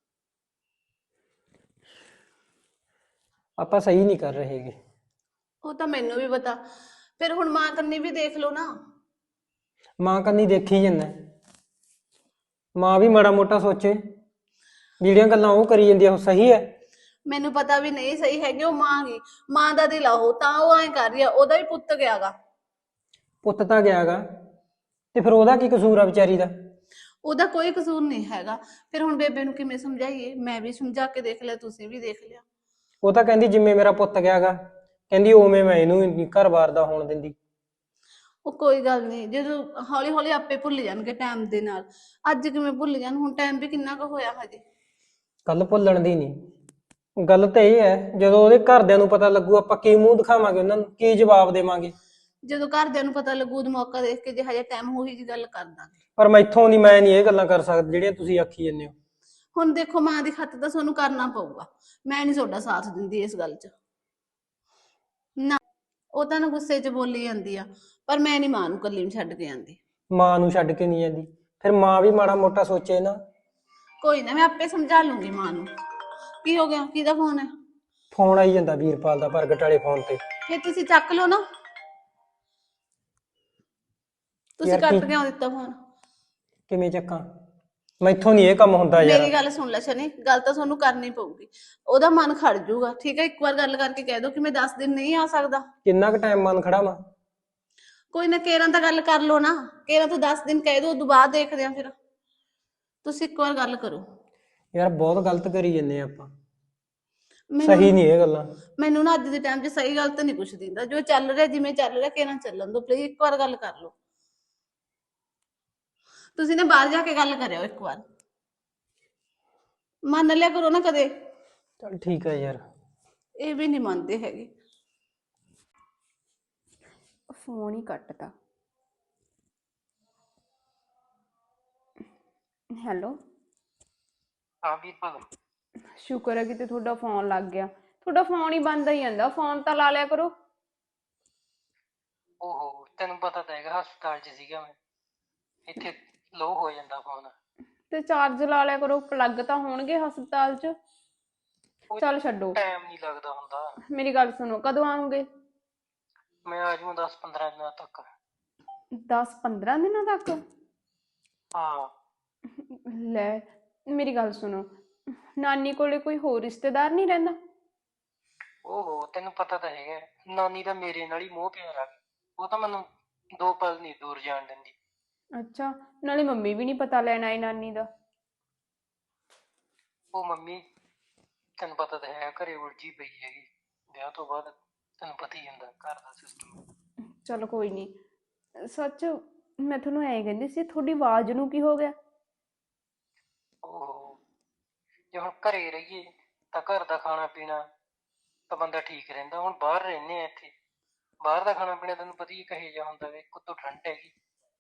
Speaker 4: ਆਪਾਂ ਸਹੀ ਨਹੀਂ ਕਰ ਰਹੇਗੇ।
Speaker 1: ਉਹ ਤਾਂ ਮੈਨੂੰ ਵੀ ਪਤਾ, ਫਿਰ ਹੁਣ ਮਾਂ ਕੰਨੀ ਵੀ ਦੇਖ ਲਓ ਨਾ।
Speaker 4: ਮਾਂ ਕੰਨੀ ਦੇਖੀ ਜਾਂਦਾ, ਮਾਂ ਵੀ ਮਾੜਾ ਮੋਟਾ ਸੋਚੇ, ਜਿਹੜੀਆਂ ਗੱਲਾਂ ਉਹ ਕਰੀ ਜਾਂਦੀ ਆ ਉਹ ਸਹੀ ਹੈ?
Speaker 1: ਮੈਨੂੰ ਪਤਾ ਵੀ ਨਹੀਂ ਸਹੀ ਹੈਗੀ, ਉਹ ਮਾਂ ਗਈ, ਮਾਂ ਦਾ ਦਿਲ ਆ ਉਹ, ਤਾਂ ਉਹ ਐਂ ਕਰ ਰਹੀ ਆ। ਉਹਦਾ ਵੀ ਪੁੱਤ ਗਿਆਗਾ।
Speaker 4: ਪੁੱਤ ਤਾਂ ਗਿਆਗਾ, ਤੇ ਫਿਰ ਉਹਦਾ ਕੀ ਕਸੂਰ ਆ ਵਿਚਾਰੀ ਦਾ?
Speaker 1: ਉਹਦਾ ਕੋਈ ਕਸੂਰ ਨਹੀਂ ਹੈਗਾ। ਫਿਰ ਹੁਣ ਬੇਬੇ ਨੂੰ ਕਿਵੇਂ ਸਮਝਾਈਏ? ਮੈਂ ਵੀ ਸਮਝਾ ਕੇ ਦੇਖ ਲਿਆ, ਤੁਸੀਂ ਵੀ ਦੇਖ ਲਿਆ।
Speaker 4: ਉਹ ਤਾਂ ਕਹਿੰਦੀ ਜਿਵੇਂ ਮੇਰਾ ਪੁੱਤ ਗਿਆਗਾ, ਕਹਿੰਦੀ ਉਵੇਂ ਮੈਂ ਇਹਨੂੰ ਨੀ ਘਰ-ਬਾਰ ਦਾ ਹੋਣ ਦਿੰਦੀ।
Speaker 1: ਉਹ ਕੋਈ ਗੱਲ ਨਹੀਂ, ਜਦੋਂ ਹੌਲੀ ਹੌਲੀ ਆਪੇ ਭੁੱਲ ਜਾਣਗੇ ਟਾਈਮ ਦੇ ਨਾਲ। ਅੱਜ ਕਿਵੇਂ ਭੁੱਲ ਜਾਣ? ਹੁਣ ਟਾਈਮ ਵੀ ਕਿੰਨਾ ਕੁ ਹੋਇਆ ਹਜੇ।
Speaker 4: ਗੱਲ ਭੁੱਲਣ ਦੀ ਨਹੀਂ, ਗੱਲ ਤਾਂ ਇਹ ਹੈ ਜਦੋਂ ਉਹਦੇ ਘਰਦਿਆਂ ਨੂੰ ਪਤਾ ਲੱਗੂ ਆਪਾਂ ਕੀ ਮੂੰਹ ਦਿਖਾਵਾਂਗੇ ਉਹਨਾਂ ਨੂੰ, ਕੀ ਜਵਾਬ ਦੇਵਾਂਗੇ?
Speaker 1: ਜਦੋਂ ਘਰਦਿਆਂ ਨੂੰ ਪਤਾ ਲੱਗੂ ਉਦੋਂ ਮੌਕਾ ਦੇਖ ਕੇ, ਜੇ ਹਜੇ ਟਾਈਮ ਉਹੀ ਜੀ ਗੱਲ ਕਰ ਦਾਂਗੇ।
Speaker 4: ਪਰ ਮੈਥੋਂ ਨਹੀਂ, ਮੈਂ ਨਹੀਂ ਇਹ ਗੱਲਾਂ ਕਰ ਸਕਦਾ ਜਿਹੜੀਆਂ ਤੁਸੀਂ ਆਖੀ ਜਾਂਦੇ ਹੋ।
Speaker 1: ਹੁਣ ਦੇਖੋ, ਮਾਂ ਦੀ ਖਾਤਰ ਤਾਂ ਤੁਹਾਨੂੰ ਕਰਨਾ ਪਊਗਾ। ਮੈਂ ਨਹੀਂ ਤੁਹਾਡਾ ਸਾਥ ਦਿੰਦੀ ਇਸ ਗੱਲ 'ਚ ਨਾ। ਉਹ ਤਾਂ ਨਾ ਗੁੱਸੇ 'ਚ ਬੋਲੀ ਜਾਂਦੀ ਆ, ਪਰ ਮੈਂ ਨਹੀਂ ਮਾਂ ਨੂੰ ਇਕੱਲੀ ਨੂੰ ਛੱਡ ਕੇ ਆਂਦੀ।
Speaker 4: ਮਾਂ ਨੂੰ ਛੱਡ ਕੇ ਨਹੀਂ ਜਾਂਦੀ, ਫਿਰ ਮਾਂ ਵੀ ਮਾੜਾ ਮੋਟਾ ਸੋਚੇ ਨਾ।
Speaker 1: ਕੋਈ ਨਾ, ਮੈਂ ਆਪੇ ਸਮਝਾ ਲੂੰਗੀ ਮਾਂ ਨੂੰ। ਕੀ ਹੋ ਗਿਆ? ਕਿਹਦਾ ਫੋਨ ਹੈ?
Speaker 4: ਫੋਨ ਆਈ ਜਾਂਦਾ ਵੀਰਪਾਲ ਦਾ, ਪ੍ਰਗਟ ਵਾਲੇ ਫੋਨ ਤੇ।
Speaker 1: ਫਿਰ ਤੁਸੀਂ ਚੱਕ ਲਓ ਨਾ। ਤੁਸੀਂ
Speaker 4: ਯਾਰ
Speaker 1: ਕੱਟ ਕਿਉਂ ਦਿੱਤਾ ਫੋਨ?
Speaker 4: ਕਿਵੇਂ ਚੱਕਾਂ? ਮੈਥੋਂ ਨਹੀਂ ਇਹ ਕੰਮ ਹੁੰਦਾ ਯਾਰ।
Speaker 1: ਮੇਰੀ ਗੱਲ ਸੁਣ ਲੈ ਸ਼ਨੀ, ਗੱਲ ਤਾਂ ਤੁਹਾਨੂੰ ਕਰਨੀ ਪਊਗੀ। ਉਹਦਾ ਮਨ ਖੜ ਜਾਊਗਾ, ਠੀਕ ਹੈ? ਇੱਕ ਵਾਰ ਗੱਲ ਕਰਕੇ ਕਹਿ ਦੋ ਕਿ ਮੈਂ 10 ਦਿਨ ਨਹੀਂ ਆ ਸਕਦਾ।
Speaker 4: ਕਿੰਨਾ ਕੁ ਟਾਈਮ ਮਨ ਖੜਾ ਵਾ?
Speaker 1: ਕੋਈ ਨਾ, ਕੇਰਾਂ ਤਾਂ ਗੱਲ ਕਰ ਲਓ ਨਾ। ਕੇਰਾਂ ਤਾਂ 10 ਦਿਨ ਕਹਿ ਦੋ, ਉਦੋਂ ਬਾਅਦ ਦੇਖਦੇ ਆ ਫਿਰ। ਤੁਸੀਂ ਇੱਕ ਵਾਰ ਗੱਲ ਕਰੋ।
Speaker 4: ਯਾਰ ਬਹੁਤ ਗਲਤ ਕਰੀ ਜੰਨੇ ਆਪਾਂ,
Speaker 1: ਮੈਨੂੰ
Speaker 4: ਸਹੀ ਨਹੀਂ ਇਹ ਗੱਲਾਂ।
Speaker 1: ਮੈਨੂੰ ਨਾ ਅੱਜ ਦੇ ਟਾਈਮ 'ਚ ਸਹੀ ਗੱਲ ਤਾਂ ਨਹੀਂ ਕੁਛ ਦਿੰਦਾ। ਜੋ ਚੱਲ ਰਿਹਾ, ਜਿਵੇਂ ਚੱਲ ਰਿਹਾ, ਕੇਰਾਂ ਚੱਲਣ ਦੋ ਪਲੀਜ਼। ਇੱਕ ਵਾਰ ਗੱਲ ਕਰ ਲਓ। ਤੁਸੀਂ ਨਾ ਬਾਹਰ ਜਾ ਕੇ ਗੱਲ ਕਰਿਓ ਇੱਕ ਵਾਰ, ਮੰਨ ਲਿਆ ਕਰੋ ਨਾ ਕਦੇ।
Speaker 4: ਚੱਲ ਠੀਕ ਹੈ ਯਾਰ।
Speaker 1: ਇਹ ਵੀ ਨਹੀਂ ਮੰਨਦੇ ਹੈਗੇ।
Speaker 3: ਫੋਨ ਹੀ ਕੱਟਤਾ। ਹੈਲੋ।
Speaker 4: ਹਾਂ ਵੀਰਪਾਲ।
Speaker 3: ਸ਼ੁਕਰ ਹੈ ਕਿਤੇ ਤੁਹਾਡਾ ਫੋਨ ਲੱਗ ਗਿਆ। ਤੁਹਾਡਾ ਫੋਨ ਹੀ ਬੰਦ ਹੀ ਜਾਂਦਾ, ਫੋਨ ਤਾਂ ਲਾ ਲਿਆ ਕਰੋ।
Speaker 4: ਓਹੋ, ਤੈਨੂੰ ਪਤਾ ਤਾਂ ਹੈਗਾ ਹਸਪਤਾਲ 'ਚ ਸੀਗਾ ਮੈਂ, ਇੱਥੇ ਲੋ ਹੋ ਜਾਂਦਾ ਫੋਨ।
Speaker 3: ਤੇ ਚਾਰਜ ਲਾ ਲਿਆ ਕਰੋ, ਪਲੱਗ ਤਾਂ ਹੋਣਗੇ ਹਸਪਤਾਲ 'ਚ। ਚੱਲ ਛੱਡੋ,
Speaker 4: ਟਾਈਮ ਨਹੀਂ ਲੱਗਦਾ ਹੁੰਦਾ।
Speaker 3: ਮੇਰੀ ਗੱਲ ਸੁਣੋ, ਕਦੋਂ ਆਉਂਗੇ?
Speaker 4: ਮੈਂ ਆ ਜਾਊਂ 10-15 ਦਿਨਾਂ ਤੱਕ।
Speaker 3: 10-15 ਦਿਨਾਂ ਤੱਕ?
Speaker 4: ਹਾਂ।
Speaker 3: ਲੈ, ਮੇਰੀ ਗੱਲ ਸੁਣੋ, ਨਾਨੀ ਕੋਲੇ ਕੋਈ ਹੋਰ ਰਿਸ਼ਤੇਦਾਰ ਨਹੀਂ ਰਹਿੰਦਾ?
Speaker 4: ਓਹੋ, ਤੈਨੂੰ ਪਤਾ ਤਾਂ ਹੈਗਾ ਨਾਨੀ ਦਾ ਮੇਰੇ ਨਾਲ ਹੀ ਮੋਹ ਪਿਆਰ ਆ, ਉਹ ਤਾਂ ਮੈਨੂੰ 2 ਪਲ ਨਹੀਂ ਦੂਰ ਜਾਣ ਦਿੰਦੀ।
Speaker 3: ਅੱਛਾ, ਨਾਲੇ ਮੰਮੀ ਵੀ ਨਹੀਂ ਪਤਾ ਲੈਣ ਆਈ ਨਾਨੀ ਦਾ?
Speaker 4: ਉਹ ਮੰਮੀ ਤੈਨੂੰ ਪਤਾ ਤਾਂ ਹੈ ਘਰੇ ਉਲਝੀ ਪਈ ਹੈਗੀ, ਵਿਆਹ ਤੋਂ ਬਾਅਦ ਤੈਨੂੰ ਪਤਾ ਹੀ ਹੁੰਦਾ ਘਰ ਦਾ ਸਿਸਟਮ।
Speaker 3: ਚਲੋ ਕੋਈ ਨਹੀਂ। ਸੱਚ, ਮੈਂ ਤੁਹਾਨੂੰ ਐਂ ਕਹਿੰਦੀ ਸੀ, ਤੁਹਾਡੀ ਆਵਾਜ਼ ਨੂੰ ਕੀ ਹੋ ਗਿਆ?
Speaker 4: ਓਹੋ, ਜੇ ਹੁਣ ਘਰੇ ਰਹੀਏ ਤਾਂ ਘਰ ਦਾ ਖਾਣਾ ਪੀਣਾ ਤਾਂ ਬੰਦਾ ਠੀਕ ਰਹਿੰਦਾ, ਹੁਣ ਬਾਹਰ ਰਹਿੰਦੇ ਆ, ਇੱਥੇ ਬਾਹਰ ਦਾ ਖਾਣਾ ਪੀਣਾ ਤੈਨੂੰ ਪਤਾ ਹੀ ਕਿਹੋ ਜਿਹਾ ਹੁੰਦਾ ਵੇ, ਉੱਤੋਂ ਠੰਡ ਹੈਗੀ।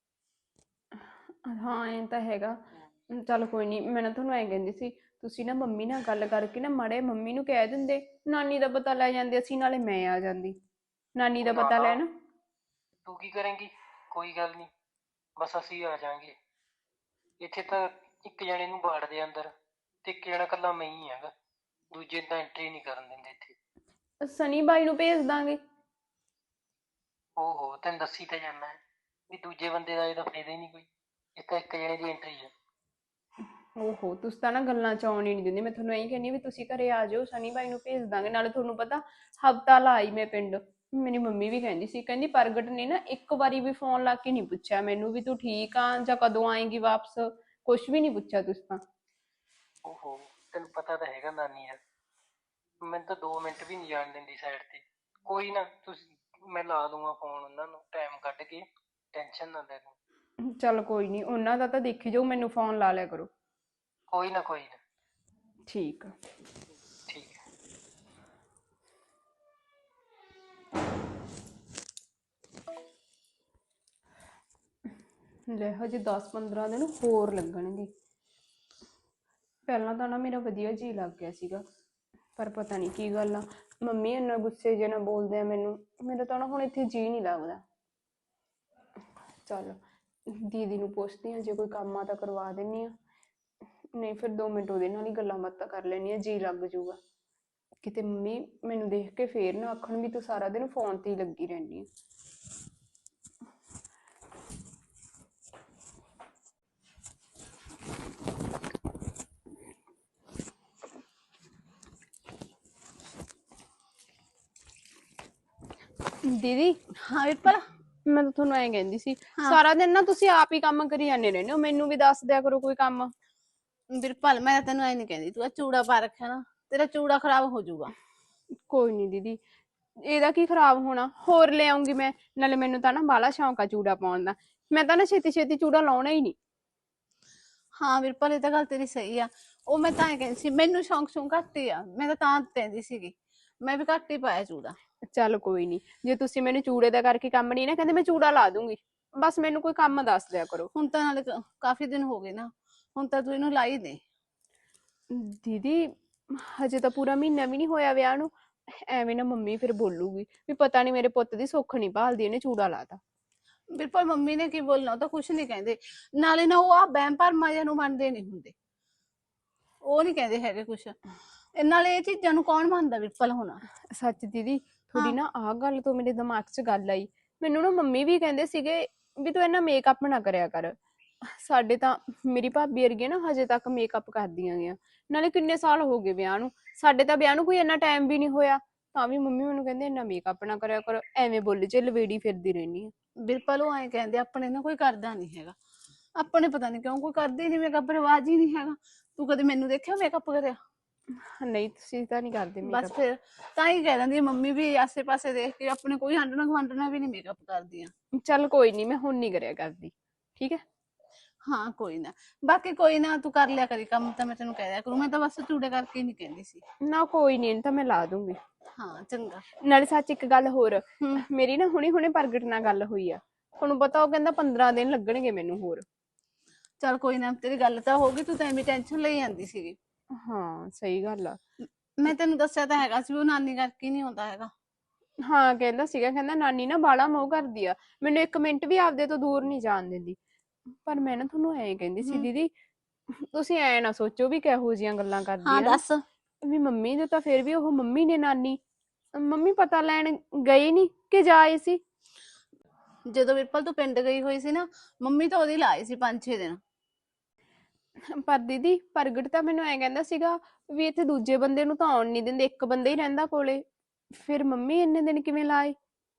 Speaker 3: ਹਾਂ, ਇਹ ਤਾਂ ਹੈਗਾ। ਚੱਲ ਕੋਈ ਨਹੀਂ, ਮੈਂ ਨਾ ਤੁਹਾਨੂੰ ਐਂ ਕਹਿੰਦੀ ਸੀ, ਤੁਸੀਂ ਨਾ ਮੰਮੀ ਨਾਲ ਗੱਲ ਕਰਕੇ ਨਾ ਮਾੜੇ ਮੰਮੀ ਨੂੰ ਕਹਿ ਦਿੰਦੇ, ਨਾਨੀ ਦਾ ਪਤਾ ਲੈ ਜਾਂਦੇ ਅਸੀਂ, ਨਾਲੇ ਮੈਂ ਆ ਜਾਂਦੀ ਨਾਨੀ ਦਾ ਪਤਾ ਲੈਣ।
Speaker 4: ਤੂੰ ਕੀ ਕਰੇਂਗੀ? ਕੋਈ ਗੱਲ ਨਹੀਂ, ਬਸ ਅਸੀਂ ਆ ਜਾਾਂਗੇ। ਇੱਥੇ ਤਾਂ ਇੱਕ ਜਣੇ ਨੂੰ ਬਾੜਦੇ ਅੰਦਰ, ਤੇ ਇੱਕ ਜਣਾ ਇਕੱਲਾ ਮੈਂ ਹੀ ਹੈਗਾ, ਦੂਜੇ ਤਾਂ ਐਂਟਰੀ ਨਹੀਂ ਕਰਨ ਦਿੰਦੇ ਇੱਥੇ।
Speaker 3: ਸਨੀ ਬਾਈ ਨੂੰ ਭੇਜ ਦਾਂਗੇ।
Speaker 4: ਓਹੋ, ਤੈਨੂੰ ਦੱਸੀ ਤਾਂ ਜਾਨਾ ਹੈ ਵੀ ਦੂਜੇ ਬੰਦੇ ਦਾ ਇਹਦਾ ਫਾਇਦਾ ਹੀ ਨਹੀਂ ਕੋਈ, ਇਹ ਤਾਂ ਇੱਕ ਜਣੇ ਦੀ ਐਂਟਰੀ ਹੈ।
Speaker 3: ਓਹੋ, ਤੁਸੀਂ ਤਾਂ ਨਾ ਗੱਲਾਂ ਚ ਆਉਣ ਹੀ ਨਹੀਂ ਦਿੰਦੇ। ਮੈਂ ਤੁਹਾਨੂੰ ਇਹੀ ਕਹਿੰਦੀ ਵੀ ਤੁਸੀਂ ਘਰੇ ਆ ਜਾਓ, ਸਨੀ ਬਾਈ ਨੂੰ ਭੇਜ ਦਾਂਗੇ। ਨਾਲੇ ਤੁਹਾਨੂੰ ਪਤਾ ਹਫਤਾ ਲਾਈ ਮੈਂ ਪਿੰਡ। ਮੇਰੀ ਮੰਮੀ ਵੀ ਕਹਿੰਦੀ ਸੀ, ਕਹਿੰਦੀ ਪ੍ਰਗਟ ਨੇ ਨਾ ਇੱਕ ਵਾਰੀ ਵੀ ਫੋਨ ਲਾ ਕੇ ਨਹੀਂ ਪੁੱਛਿਆ ਮੈਨੂੰ ਵੀ ਤੂੰ ਠੀਕ ਆ ਜਾਂ ਕਦੋਂ ਆਏਂਗੀ ਵਾਪਸ, ਕੁਛ ਵੀ ਨਹੀਂ ਪੁੱਛਿਆ ਤੁਸੀਂ ਤਾਂ।
Speaker 4: ਓਹੋ, ਤੈਨੂੰ ਪਤਾ ਤਾਂ ਹੈਗਾ ਨਾਨੀ ਯਾਰ, ਮੈਨੂੰ ਤਾਂ 2 ਮਿੰਟ ਵੀ ਨਹੀਂ ਜਾਣ ਦਿੰਦੀ ਸਾਈਡ ਤੇ। ਕੋਈ ਨਾ, ਤੁਸੀਂ ਮੈਂ ਲਾ ਦੂੰਗਾ ਫੋਨ ਉਹਨਾਂ ਨੂੰ ਟਾਈਮ ਕੱਢ ਕੇ, ਟੈਨਸ਼ਨ ਨਾ ਲੈ ਤੂੰ।
Speaker 3: ਚੱਲ ਕੋਈ ਨਹੀਂ, ਉਹਨਾਂ ਦਾ ਤਾਂ ਦੇਖੀ ਜਾਓ, ਮੈਨੂੰ ਫੋਨ ਲਾ ਲਿਆ ਕਰੋ।
Speaker 4: ਕੋਈ ਨਾ ਕੋਈ ਨਾ।
Speaker 3: ਠੀਕ ਆ।
Speaker 4: ਠੀਕ ਹੈ।
Speaker 3: ਲੈ ਹਜੇ 10-15 ਦਿਨ ਹੋਰ ਲੱਗਣਗੇ। ਪਹਿਲਾਂ ਤਾਂ ਨਾ ਮੇਰਾ ਵਧੀਆ ਜੀ ਲੱਗ ਗਿਆ ਸੀਗਾ, ਪਰ ਪਤਾ ਨਹੀਂ ਕੀ ਗੱਲ ਆ, ਮੰਮੀ ਇੰਨਾ ਗੁੱਸੇ ਜਿਹੇ ਨਾਲ ਬੋਲਦੇ ਆ ਮੈਨੂੰ, ਮੇਰਾ ਤਾਂ ਨਾ ਹੁਣ ਇੱਥੇ ਜੀ ਨਹੀਂ ਲੱਗਦਾ। ਚੱਲ ਦੀਦੀ ਨੂੰ ਪੁੱਛਦੀ ਹਾਂ, ਜੇ ਕੋਈ ਕੰਮ ਆ ਤਾਂ ਕਰਵਾ ਦਿੰਨੀ ਆ, ਨਹੀਂ ਫਿਰ 2 ਮਿੰਟ ਉਹਦੇ ਨਾਲ ਹੀ ਗੱਲਾਂ ਬਾਤਾਂ ਕਰ ਲੈਣੀ ਆ, ਜੀ ਲੱਗ ਜੂਗਾ। ਕਿਤੇ ਮੰਮੀ ਮੈਨੂੰ ਦੇਖ ਕੇ ਫੇਰ ਨਾ ਆਖਣ ਵੀ ਤੂੰ ਸਾਰਾ ਦਿਨ ਫੋਨ ਤੇ ਹੀ ਲੱਗੀ ਰਹਿੰਦੀ ਆ। ਦੀਦੀ
Speaker 1: ਹਾਂ ਵੀਰਪਾਲ।
Speaker 3: ਮੈਂ ਤਾਂ ਤੁਹਾਨੂੰ ਐਂ ਕਹਿੰਦੀ ਸੀ, ਸਾਰਾ ਦਿਨ ਨਾ ਤੁਸੀਂ ਆਪ ਹੀ ਕੰਮ ਕਰੀ ਜਾਂਦੇ ਰਹਿੰਦੇ ਹੋ, ਮੈਨੂੰ ਵੀ ਦੱਸ ਦਿਆ ਕਰੋ ਕੋਈ ਕੰਮ।
Speaker 1: ਵੀਰਪਾਲ ਮੈਂ ਤਾਂ ਤੈਨੂੰ ਐ ਨਹੀਂ ਕਹਿੰਦੀ, ਤੂੰ ਆ ਚੂੜਾ ਪਾ ਰੱਖਿਆ ਨਾ, ਤੇਰਾ ਚੂੜਾ ਖਰਾਬ ਹੋ ਜਾਊਗਾ।
Speaker 3: ਕੋਈ ਨਹੀਂ ਦੀਦੀ, ਇਹਦਾ ਕੀ ਖਰਾਬ ਹੋਣਾ, ਹੋਰ ਲੈ ਆਉਂਗੀ ਮੈਂ। ਨਾਲੇ ਮੈਨੂੰ ਤਾਂ ਨਾ ਬਾਹਲਾ ਸ਼ੌਂਕ ਆ ਚੂੜਾ ਪਾਉਣ ਦਾ, ਮੈਂ ਤਾਂ ਨਾ ਛੇਤੀ ਛੇਤੀ ਚੂੜਾ ਲਾਉਣਾ ਹੀ ਨਹੀਂ।
Speaker 1: ਹਾਂ ਵੀਰਪਾਲ, ਇਹ ਤਾਂ ਗੱਲ ਤੇਰੀ ਸਹੀ ਆ। ਉਹ ਮੈਂ ਤਾਂ ਐ ਕਹਿੰਦੀ ਸੀ, ਮੈਨੂੰ ਸ਼ੌਂਕ ਘੱਟ ਹੀ ਆ, ਮੈਂ ਤਾਂ ਕਹਿੰਦੀ ਸੀਗੀ ਮੈਂ ਵੀ ਘੱਟ ਹੀ ਪਾਇਆ ਚੂੜਾ।
Speaker 3: ਚੱਲ ਕੋਈ ਨਹੀਂ, ਜੇ ਤੁਸੀਂ ਮੈਨੂੰ ਚੂੜੇ ਦਾ ਕਰਕੇ ਕੰਮ ਨਹੀਂ ਨਾ ਕਹਿੰਦੇ, ਮੈਂ ਚੂੜਾ ਲਾ ਦੂੰਗੀ। ਬਸ ਮੈਨੂੰ ਕੋਈ ਕੰਮ ਦੱਸ ਦਿਆ ਕਰੋ।
Speaker 1: ਹੁਣ ਤਾਂ ਨਾਲੇ ਕਾਫੀ ਦਿਨ ਹੋ ਗਏ ਨਾ, ਹੁਣ ਤਾਂ ਤੂੰ ਇਹਨੂੰ ਲਾਈ ਦੇ।
Speaker 3: ਦੀਦੀ ਹਜੇ ਤਾਂ ਪੂਰਾ ਮਹੀਨਾ ਵੀ ਨਹੀਂ ਹੋਇਆ ਵਿਆਹ ਨੂੰ, ਐਵੇਂ ਨਾ ਮੰਮੀ ਫਿਰ ਬੋਲੂਗੀ ਵੀ ਪਤਾ ਨਹੀਂ ਮੇਰੇ ਪੁੱਤ ਦੀ ਸੁੱਖ ਨਹੀਂ ਭਾਲਦੀ, ਇਹਨੇ ਚੂੜਾ ਲਾਤਾ।
Speaker 1: ਵੀਰਪਾਲ ਮੰਮੀ ਨੇ ਕੀ ਬੋਲਣਾ, ਉਹ ਤਾਂ ਕੁਛ ਨਹੀਂ ਕਹਿੰਦੇ। ਨਾਲੇ ਨਾ ਉਹ ਆ ਵਹਿਮ ਭਰਮਾਂ ਜਿਹਾ ਨੂੰ ਮੰਨਦੇ ਨਹੀਂ ਹੁੰਦੇ, ਉਹ ਨਹੀਂ ਕਹਿੰਦੇ ਹੈਗੇ ਕੁਛ। ਨਾਲੇ ਇਹ ਚੀਜ਼ਾਂ ਨੂੰ ਕੌਣ ਮੰਨਦਾ ਵੀਰਪਾਲ ਹੁਣ।
Speaker 3: ਸੱਚ ਦੀਦੀ, ਥੋੜੀ ਨਾ ਆਹ ਗੱਲ ਤੋਂ ਮੇਰੇ ਦਿਮਾਗ 'ਚ ਗੱਲ ਆਈ। ਮੈਨੂੰ ਨਾ ਮੰਮੀ ਵੀ ਕਹਿੰਦੇ ਸੀਗੇ ਵੀ ਤੂੰ ਇੰਨਾ ਮੇਕਅਪ ਨਾ ਕਰਿਆ ਕਰ। ਸਾਡੇ ਤਾਂ ਮੇਰੀ ਭਾਬੀ ਵਰਗੀ ਨਾ ਹਜੇ ਤੱਕ ਮੇਕਅਪ ਕਰਦੀਆਂ ਗਈਆਂ, ਨਾਲੇ ਕਿੰਨੇ ਸਾਲ ਹੋ ਗਏ ਵਿਆਹ ਨੂੰ, ਸਾਡੇ ਤਾਂ ਵਿਆਹ ਨੂੰ ਕੋਈ ਇੰਨਾ ਟਾਈਮ ਵੀ ਨਹੀਂ ਹੋਇਆ, ਤਾਂ ਵੀ ਮੰਮੀ ਮੈਨੂੰ ਕਹਿੰਦੇ ਇੰਨਾ ਮੇਕਅਪ ਨਾ ਕਰਿਆ ਕਰ, ਐਵੇਂ ਬੁੱਲ 'ਚ ਲਵੇੜੀ ਫਿਰਦੀ ਰਹਿੰਦੀ ਆ।
Speaker 1: ਵੀਰਪਾਲ ਉਹ ਐਂ ਕਹਿੰਦੇ ਆਪਣੇ ਨਾ ਕੋਈ ਕਰਦਾ ਨਹੀਂ ਹੈਗਾ, ਆਪਣੇ ਪਤਾ ਨਹੀਂ ਕਿਉਂ ਕੋਈ ਕਰਦੇ ਨਹੀਂ, ਮੇਕਅਪ ਰਿਵਾਜ ਹੀ ਨਹੀਂ ਹੈਗਾ। ਤੂੰ ਕਦੇ ਮੈਨੂੰ ਦੇਖਿਆ ਮੇਕਅਪ ਕਰਿਆ?
Speaker 3: ਨਹੀਂ ਤੁਸੀਂ ਤਾਂ ਨਹੀਂ ਕਰਦੇ
Speaker 1: ਬਸ
Speaker 3: ਮੇਕਅਪ।
Speaker 1: ਫਿਰ ਤਾਂ ਹੀ ਕਹਿ ਦਿੰਦੀ ਮੰਮੀ ਵੀ ਆਸੇ ਪਾਸੇ ਦੇਖ ਕੇ ਆਪਣੇ ਕੋਈ ਹੰਡਣਾ ਗਵੰਡਣਾ ਵੀ ਨਹੀਂ ਮੇਕਅਪ ਕਰਦੀਆਂ।
Speaker 3: ਚੱਲ ਕੋਈ ਨਹੀਂ, ਮੈਂ ਹੁਣ ਨਹੀਂ ਕਰਿਆ ਕਰਦੀ, ਠੀਕ ਹੈ।
Speaker 1: ਹਾਂ ਕੋਈ ਨਾ, ਬਾਕੀ ਕੋਈ ਨਾ ਤੂੰ ਕਰ ਲਿਆ ਕਰੀ ਕੰਮ, ਤਾਂ ਮੈਂ ਤੈਨੂੰ ਕਹਿ ਦਿਆ ਕਰੂੰ, ਮੈਂ ਤਾਂ ਬਸ ਚੂੜੇ ਕਰਕੇ ਹੀ ਨਹੀਂ ਕਹਿੰਦੀ ਸੀ।
Speaker 3: ਨਾ ਕੋਈ ਨਹੀਂ, ਤਾਂ ਮੈਂ ਲਾ ਦੂੰਗੀ।
Speaker 1: ਹਾਂ ਚੰਗਾ।
Speaker 3: ਨਾਲੇ ਸੱਚ ਇੱਕ ਗੱਲ ਹੋਰ,
Speaker 1: ਹੂੰ।
Speaker 3: ਮੇਰੀ ਨਾ ਹੁਣੇ ਪ੍ਰਗਟ ਨਾਲ ਗੱਲ ਹੋਈ ਆ, ਤੁਹਾਨੂੰ ਪਤਾ ਉਹ ਕਹਿੰਦਾ 15 ਦਿਨ ਲੱਗਣਗੇ ਮੈਨੂੰ ਹੋਰ।
Speaker 1: ਚੱਲ ਕੋਈ ਨਾ, ਤੇਰੀ ਗੱਲ ਤਾਂ ਹੋ ਗਈ, ਤੂੰ ਤਾਂ ਐਵੇਂ ਟੈਨਸ਼ਨ ਲਈ ਜਾਂਦੀ ਸੀਗੀ।
Speaker 3: ਹਾਂ ਸਹੀ ਗੱਲ ਆ।
Speaker 1: ਮੈਂ ਤੈਨੂੰ ਦੱਸਿਆ ਤਾਂ ਹੈਗਾ ਸੀ ਵੀ ਉਹ ਨਾਨੀ ਕਰਕੇ ਨਹੀਂ ਆਉਂਦਾ ਹੈਗਾ।
Speaker 3: ਹਾਂ ਕਹਿੰਦਾ ਸੀਗਾ, ਕਹਿੰਦਾ ਨਾਨੀ ਨਾ ਬਾਲਾ ਮੋਹ ਕਰਦੀ ਆ, ਮੈਨੂੰ 1 ਮਿੰਟ ਵੀ ਆਪਦੇ ਤੋਂ ਦੂਰ ਨਹੀਂ ਜਾਣ ਦਿੰਦੀ। ਪਰ ਮੈਂ ਨਾ ਤੁਹਾਨੂੰ ਐਂ ਕਹਿੰਦੀ ਸੀ ਦੀਦੀ, ਤੁਸੀਂ ਐ ਨਾ ਸੋਚੋ ਵੀ ਕਿਹੋ ਜਿਹੀਆਂ ਗੱਲਾਂ ਕਰਦੀ
Speaker 1: ਹਾਂ
Speaker 3: ਆ ਨਾ,
Speaker 1: ਦੱਸ।
Speaker 3: ਵੀ ਮੰਮੀ ਦੇ ਤਾਂ ਫਿਰ ਵੀ ਉਹ ਮੰਮੀ ਨੇ ਨਾਨੀ, ਮੰਮੀ ਪਤਾ ਲੈਣ ਗਈ ਨਹੀਂ ਕਿ ਜਾਏ ਸੀ?
Speaker 1: ਜਦੋਂ ਵੀਰਪਾਲ ਤੂੰ ਪਿੰਡ ਗਈ ਹੋਈ ਸੀ ਨਾ, ਮੰਮੀ ਤਾਂ ਉਹਦੀ ਲਾਏ ਸੀ 5-6 ਦਿਨ।
Speaker 3: ਪਰ ਦੀਦੀ ਪ੍ਰਗਟ ਤਾਂ ਮੈਨੂੰ ਐ ਕਹਿੰਦਾ ਸੀਗਾ ਵੀ ਇੱਥੇ ਦੂਜੇ ਬੰਦੇ ਨੂੰ ਤਾਂ ਆਉਣ ਨਹੀਂ ਦਿੰਦੇ, ਇੱਕ ਬੰਦਾ ਹੀ ਰਹਿੰਦਾ ਕੋਲੇ, ਫਿਰ ਮੰਮੀ ਇੰਨੇ ਦਿਨ ਕਿਵੇਂ ਲਾਏ?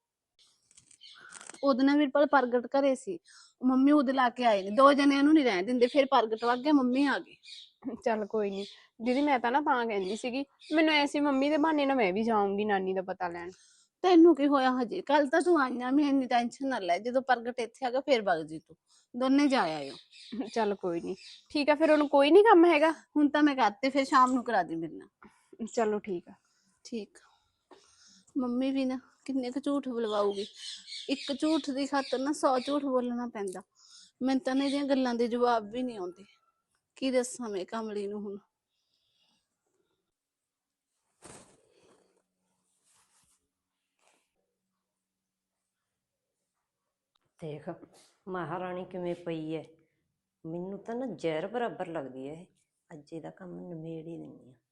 Speaker 1: ਉਹਦੇ ਨਾਲ ਵੀਰਪਾਲ ਪ੍ਰਗਟ ਘਰੇ ਸੀ, ਮੰਮੀ ਉਹਦੇ ਲਾ ਕੇ ਆਏ ਨੇ, 2 ਜਣਿਆਂ ਨੂੰ ਨਹੀਂ ਰਹਿਣ ਦਿੰਦੇ, ਫਿਰ ਪ੍ਰਗਟ ਵਗ ਗਿਆ, ਮੰਮੀ ਆ ਗਈ।
Speaker 3: ਚੱਲ ਕੋਈ ਨਹੀਂ ਦੀਦੀ, ਮੈਂ ਤਾਂ ਨਾ ਤਾਂ ਕਹਿੰਦੀ ਸੀਗੀ, ਮੈਨੂੰ ਐਸੀ ਮੰਮੀ ਦੇ ਬਹਾਨੇ ਨਾਲ ਮੈਂ ਵੀ ਜਾਊਂਗੀ ਨਾਨੀ ਦਾ ਪਤਾ ਲੈਣ।
Speaker 1: ਤੈਨੂੰ ਕੀ ਹੋਇਆ ਹਜੇ, ਕੱਲ ਤਾਂ ਤੂੰ ਆਈਆਂ, ਮੈਂ ਇੰਨੀ ਟੈਨਸ਼ਨ ਨਾ ਲੈ, ਜਦੋਂ ਪ੍ਰਗਟ ਇੱਥੇ ਆ ਗਿਆ ਫਿਰ ਵਗ ਜੀ ਤੂੰ, ਦੋਨੇ ਜਾ ਆਇਓ।
Speaker 3: ਚੱਲ ਕੋਈ ਨਹੀਂ, ਠੀਕ ਆ। ਫਿਰ ਉਹਨੂੰ ਕੋਈ ਨਹੀਂ ਕੰਮ ਹੈਗਾ?
Speaker 1: ਹੁਣ ਤਾਂ ਮੈਂ ਕਰਤੇ, ਫਿਰ ਸ਼ਾਮ ਨੂੰ ਕਰਾ ਦੀ ਮੇਰੇ ਨਾਲ।
Speaker 3: ਚਲੋ ਠੀਕ ਆ।
Speaker 1: ਠੀਕ। ਮੰਮੀ ਵੀ ਨਾ ਕਿੰਨੇ ਕੁ ਝੂਠ ਬੁਲਵਾਊਗੀ, ਇੱਕ ਝੂਠ ਦੀ ਖਾਤਰ ਨਾ 100 ਝੂਠ ਬੋਲਣਾ ਪੈਂਦਾ। ਮੈਨੂੰ ਤਾਂ ਇਹਦੀਆਂ ਗੱਲਾਂ ਦੇ ਜਵਾਬ ਵੀ ਨਹੀਂ ਆਉਂਦੇ, ਕੀ ਦੱਸਾਂ ਮੈਂ ਕਮਲੀ ਨੂੰ ਹੁਣ।
Speaker 2: ਦੇਖ ਮਹਾਰਾਣੀ ਕਿਵੇਂ ਪਈ ਐ। ਮੈਨੂੰ ਤਾਂ ਨਾ ਜ਼ਹਿਰ ਬਰਾਬਰ ਲੱਗਦੀ ਐ ਇਹ। ਅੱਜ ਇਹਦਾ ਕੰਮ ਨਿਬੇੜ ਹੀ ਦਿੰਦੀ ਆ।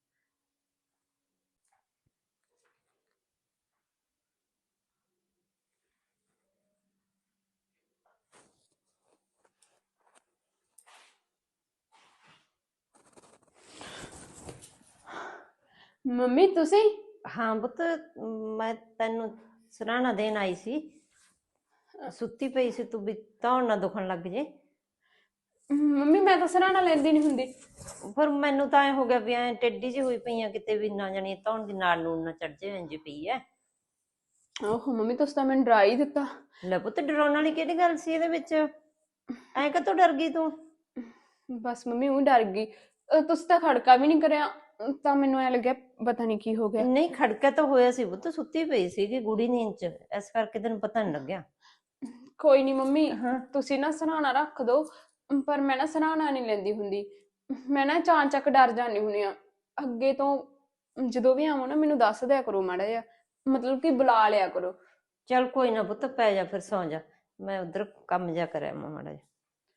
Speaker 3: ਮੰਮੀ ਤੁਸੀਂ?
Speaker 2: ਹਾਂ ਪੁੱਤ, ਮੈਂ ਤੈਨੂੰ ਸਰਾਣਾ ਦੇਣ ਆਈ ਸੀ। ਸੁੱਤੀ ਪਈ ਸੀ ਤੂੰ, ਵੀ ਧੌਣ ਨਾ ਦੁਖਣ ਲੱਗ ਜੇ।
Speaker 3: ਮੰਮੀ ਮੈਂ ਤਾਂ ਸਰਾਣਾ ਲੈਂਦੀ ਨਹੀਂ ਹੁੰਦੀ।
Speaker 2: ਪਰ ਮੈਨੂੰ ਤਾਂ ਐ ਹੋ ਗਿਆ ਵੀ ਐ ਟੇਢੀ ਜਿਹੀ ਹੋਈ ਪਈ ਆ, ਕਿਤੇ ਵੀ ਨਾ ਜਾਣੀ ਧੌਣ ਦੀ ਨਾੜ ਨੂੰ ਨਾ ਚੜ ਜੇ, ਇੰਝ ਪਈ ਐ।
Speaker 3: ਓਹੋ ਮੰਮੀ ਤੁਸੀਂ ਤਾਂ ਮੈਨੂੰ ਡਰਾ ਹੀ ਦਿੱਤਾ।
Speaker 2: ਲੈ ਪੁੱਤ, ਡਰਾਉਣ ਵਾਲੀ ਕਿਹੜੀ ਗੱਲ ਸੀ ਇਹਦੇ ਵਿੱਚ? ਐ ਕਦੋਂ ਡਰ ਗਈ ਤੂੰ?
Speaker 3: ਬਸ ਮੰਮੀ ਉਹ ਡਰ ਗਈ। ਤੁਸੀਂ ਤਾਂ ਖੜਕਾ ਵੀ ਨਹੀਂ ਕਰਿਆ, ਤਾਂ ਮੈਨੂੰ ਐ ਲੱਗਿਆ ਪਤਾ ਨਹੀਂ ਕੀ ਹੋ ਗਿਆ।
Speaker 2: ਨਹੀਂ, ਖੜਕਾ ਤਾਂ ਹੋਇਆ ਸੀ ਪੁੱਤ, ਸੁੱਤੀ ਪਈ ਸੀਗੀ ਗੂੜੀ ਨੀਂਦ ਚ, ਇਸ ਕਰਕੇ ਤੈਨੂੰ ਪਤਾ ਨਹੀਂ ਲੱਗਿਆ।
Speaker 3: ਕੋਈ ਨਹੀਂ ਮੰਮੀ,
Speaker 2: ਹਾਂ।
Speaker 3: ਤੁਸੀਂ ਨਾ ਸਰਾਣਾ ਰੱਖ ਦਿਓ, ਪਰ ਮੈਂ ਨਾ ਸਰਾਣਾ ਨਹੀਂ ਲੈਂਦੀ ਹੁੰਦੀ। ਮੈਂ ਨਾ ਚਾਂਚਕ ਡਰ ਜਾਂਦੀ ਹੁੰਦੀ ਆ। ਅੱਗੇ ਤੋਂ ਜਦੋਂ ਵੀ ਆਵਾਂ ਨਾ ਮੈਨੂੰ ਦੱਸ ਦਿਆ ਕਰੋ ਮਾੜਾ ਜਿਹਾ, ਮਤਲਬ ਕਿ ਬੁਲਾ ਲਿਆ ਕਰੋ।
Speaker 2: ਚੱਲ ਕੋਈ ਨਾ ਪੁੱਤ, ਪੈ ਜਾ ਫਿਰ, ਸੌਂ ਜਾ। ਮੈਂ ਉਧਰ ਕੰਮ ਜਾ ਕਰਿਆ ਮਾੜਾ ਜਿਹਾ।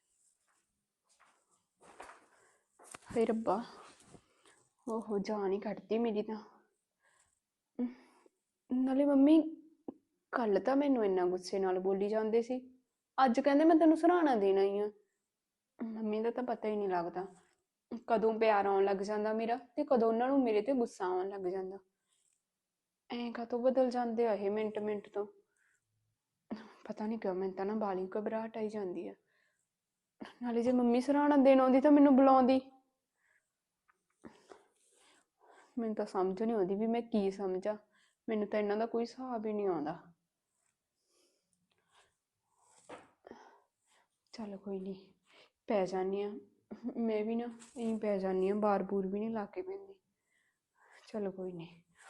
Speaker 3: ਹੇ ਰੱਬਾ, ਓਹੋ ਜਾਨ ਹੀ ਕੱਢਤੀ ਮੇਰੀ ਤਾਂ। ਨਾਲੇ ਮੰਮੀ ਕੱਲ ਤਾਂ ਮੈਨੂੰ ਇੰਨਾ ਗੁੱਸੇ ਨਾਲ ਬੋਲੀ ਜਾਂਦੇ ਸੀ, ਅੱਜ ਕਹਿੰਦੇ ਮੈਂ ਤੈਨੂੰ ਸਰਾਣਾ ਦੇਣਾ ਹੀ ਆ। ਮੰਮੀ ਦਾ ਤਾਂ ਪਤਾ ਹੀ ਨਹੀਂ ਲੱਗਦਾ ਕਦੋਂ ਪਿਆਰ ਆਉਣ ਲੱਗ ਜਾਂਦਾ ਮੇਰਾ, ਤੇ ਕਦੋਂ ਉਹਨਾਂ ਨੂੰ ਮੇਰੇ ਤੇ ਗੁੱਸਾ ਆਉਣ ਲੱਗ ਜਾਂਦਾ। ਐਂ ਕਾਹਤੋਂ ਬਦਲ ਜਾਂਦੇ ਆ ਇਹ ਮਿੰਟ ਮਿੰਟ ਤੋਂ। ਪਤਾ ਨਹੀਂ ਕਿਉਂ ਮੈਨੂੰ ਤਾਂ ਨਾ ਬਾਲੀ ਘਬਰਾਹਟ ਆਈ ਜਾਂਦੀ ਆ। ਨਾਲੇ ਜੇ ਮੰਮੀ ਸਰਾਣਾ ਦੇਣ ਆਉਂਦੀ ਤਾਂ ਮੈਨੂੰ ਬੁਲਾਉਂਦੀ। ਮੈਨੂੰ ਤਾਂ ਸਮਝ ਨਹੀਂ ਆਉਂਦੀ ਵੀ ਮੈਂ ਕੀ ਸਮਝਾਂ। ਮੈਨੂੰ ਤਾਂ ਇਹਨਾਂ ਦਾ ਕੋਈ ਹਿਸਾਬ ਹੀ ਨਹੀਂ ਆਉਂਦਾ। ਚੱਲ ਕੋਈ ਨਹੀਂ, ਪੈ ਜਾਂਦੀ ਆ ਮੈਂ ਵੀ ਨਾ, ਇਹੀ ਪੈ ਜਾਂਦੀ ਆ, ਬਾਰ ਬੂਰ ਵੀ ਨਹੀਂ ਲਾ ਕੇ ਪੈਂਦੀ। ਚਲੋ ਕੋਈ ਨਹੀਂ।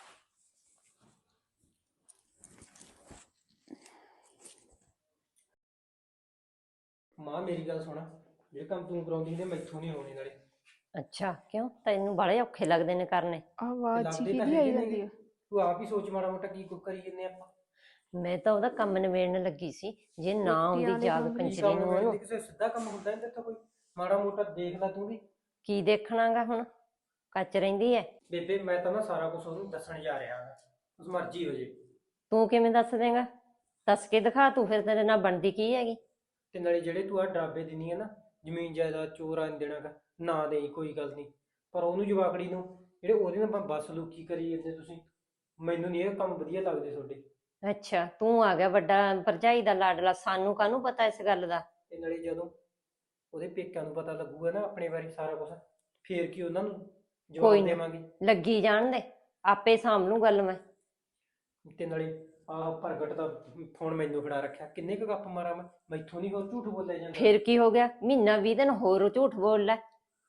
Speaker 4: ਮਾਂ ਮੇਰੀ ਗੱਲ ਸੁਣ, ਜਿਹੜੇ ਕੰਮ ਤੂੰ ਕਰਾਉਂਦੀ ਨੇ ਮੈਥੋਂ ਨਹੀਂ ਹੋਣੇ ਨਾਲੇ।
Speaker 2: ਅੱਛਾ, ਕਿਉਂ? ਤੈਨੂੰ ਬੜੇ ਔਖੇ ਲੱਗਦੇ ਨੇ ਕਰਨੇ?
Speaker 3: ਆਵਾਜ਼
Speaker 4: ਲੱਗਦੇ ਤਾਂ
Speaker 3: ਕਿਹਦੀ
Speaker 4: ਹੈਗੇ
Speaker 3: ਆਈ
Speaker 4: ਨੇ
Speaker 3: ਜਾਂਦੀ ਆ?
Speaker 4: ਤੂੰ ਆਪ ਹੀ ਸੋਚ ਮਾੜਾ ਮੋਟਾ ਕੀ ਕੁ ਕਰੀ ਜੰਨੇ ਆਪਾਂ।
Speaker 2: ਮੈਂ ਤਾਂ ਉਹਦਾ ਕੰਮ ਨਿਬੇੜਨ ਲੱਗੀ ਸੀ, ਜੇ ਨਾ ਆਉਂਦੀ
Speaker 3: ਪੇਕਿਆਂ ਦੇ
Speaker 2: ਜਾਗ
Speaker 3: ਕੰਮ
Speaker 4: ਕੀ
Speaker 2: ਕੰਜਰੀ
Speaker 4: ਕੰਮ
Speaker 2: ਨੂੰ
Speaker 4: ਵੇਲੇ
Speaker 2: ਉਹਨੂੰ।
Speaker 4: ਕਿਸੇ ਸਿੱਧਾ ਕੰਮ ਹੁੰਦਾ ਨਹੀਂ ਤੇ ਕੋਈ ਮਾੜਾ ਮੋਟਾ ਦੇਖ ਲੈ ਤੂੰ ਵੀ।
Speaker 2: ਕੀ ਦੇਖਣਾਗਾ ਹੁਣ? ਕੱਚ ਰਹਿੰਦੀ ਐ।
Speaker 4: ਬੇਬੇ ਮੈਂ ਤਾਂ ਨਾ ਸਾਰਾ ਕੁਝ ਉਹਨੂੰ ਦੱਸਣ ਜਾ ਰਿਹਾ ਹਾਂ, ਉਸ ਮਰਜ਼ੀ ਹੋ ਜੇ।
Speaker 2: ਤੂੰ ਕਿਵੇਂ ਦੱਸ ਦੇਂਗਾ? ਦੱਸ ਕੇ ਦਿਖਾ ਤੂੰ, ਫਿਰ ਤੇਰੇ ਨਾਲ ਬਣਦੀ ਕੀ ਹੈਗੀ?
Speaker 4: ਤੇ ਨਾਲੇ ਜਿਹੜੇ ਤੂੰ ਆ ਡਰਾਬੇ ਦਿੰਦੀ ਹੈ ਨਾ, ਜ਼ਮੀਨ ਜਾਇਦਾਦ ਚੋਰਾਂ ਨੂੰ ਦੇਣਾ ਗਾ, ਨਾ ਦੇਈ ਕੋਈ ਗੱਲ ਨਹੀਂ, ਪਰ ਉਹਨੂੰ ਜਵਾਕੜੀ ਨੂੰ ਜਿਹੜੇ ਉਹਦੇ ਨਾਲ ਬਸ ਲੁਕੀ ਕਰੀ ਜਾਂਦੇ ਤੁਸੀਂ। ਮੈਨੂੰ ਨਹੀਂ ਇਹ ਕੰਮ ਵਧੀਆ ਲੱਗਦੇ ਤੁਹਾਡੇ।
Speaker 2: ਅੱਛਾ, ਤੂੰ ਆ ਗਿਆ ਵੱਡਾ ਭਰਜਾਈ ਦਾ ਲਾਡਲਾ, ਸਾਨੂੰ ਕਾਹਨੂੰ ਪਤਾ ਇਸ ਗੱਲ ਦਾ?
Speaker 4: ਤੇ ਨਾਲੇ ਜਦੋਂ ਉਹਦੇ ਪੇਕਿਆਂ ਨੂੰ ਪਤਾ ਲੱਗੂਗਾ ਨਾ ਆਪਣੇ ਬਾਰੇ ਸਾਰਾ ਕੁਝ, ਫੇਰ ਕੀ ਉਹਨਾਂ ਨੂੰ
Speaker 2: ਕੋਈ
Speaker 4: ਜਵਾਬ
Speaker 2: ਨਾ,
Speaker 4: ਦੇਵਾਂਗੇ।
Speaker 2: ਲੱਗੀ ਜਾਣ ਦੇ, ਆਪੇ ਸਾਂਭ ਲੂੰ ਗੱਲ ਮੈਂ।
Speaker 4: ਤੇ ਨਾਲੇ ਆਹ ਪ੍ਰਗਟ ਦਾ ਫੋਨ ਮੈਨੂੰ ਫੜਾ ਰੱਖਿਆ, ਕਿੰਨੇ ਕੁ ਗੱਪ ਮਾਰਾਂ ਮੈਂ, ਮੈਥੋਂ ਨਹੀਂ ਹੋਰ ਝੂਠ ਬੋਲਿਆ ਜਾਂਦਾ।
Speaker 2: ਫਿਰ ਕੀ ਹੋ ਗਿਆ? ਮਹੀਨਾ 20 ਦਿਨ ਹੋਰ ਝੂਠ ਬੋਲ ਲੈ।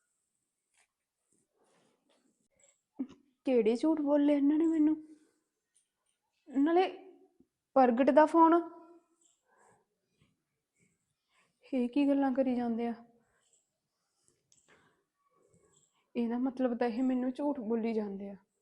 Speaker 3: ਕਿਹੜੇ ਝੂਠ ਬੋਲੇ ਇਹਨਾਂ ਨੇ ਮੈਨੂੰ? ਨਾਲੇ ਪ੍ਰਗਟ ਦਾ ਫੋਨ, ਇਹ ਕੀ ਗੱਲਾਂ ਕਰੀ ਜਾਂਦੇ ਆ? ਇਹਦਾ ਮਤਲਬ ਤਾਂ ਇਹ ਮੈਨੂੰ ਝੂਠ ਬੋਲੀ ਜਾਂਦੇ ਆ।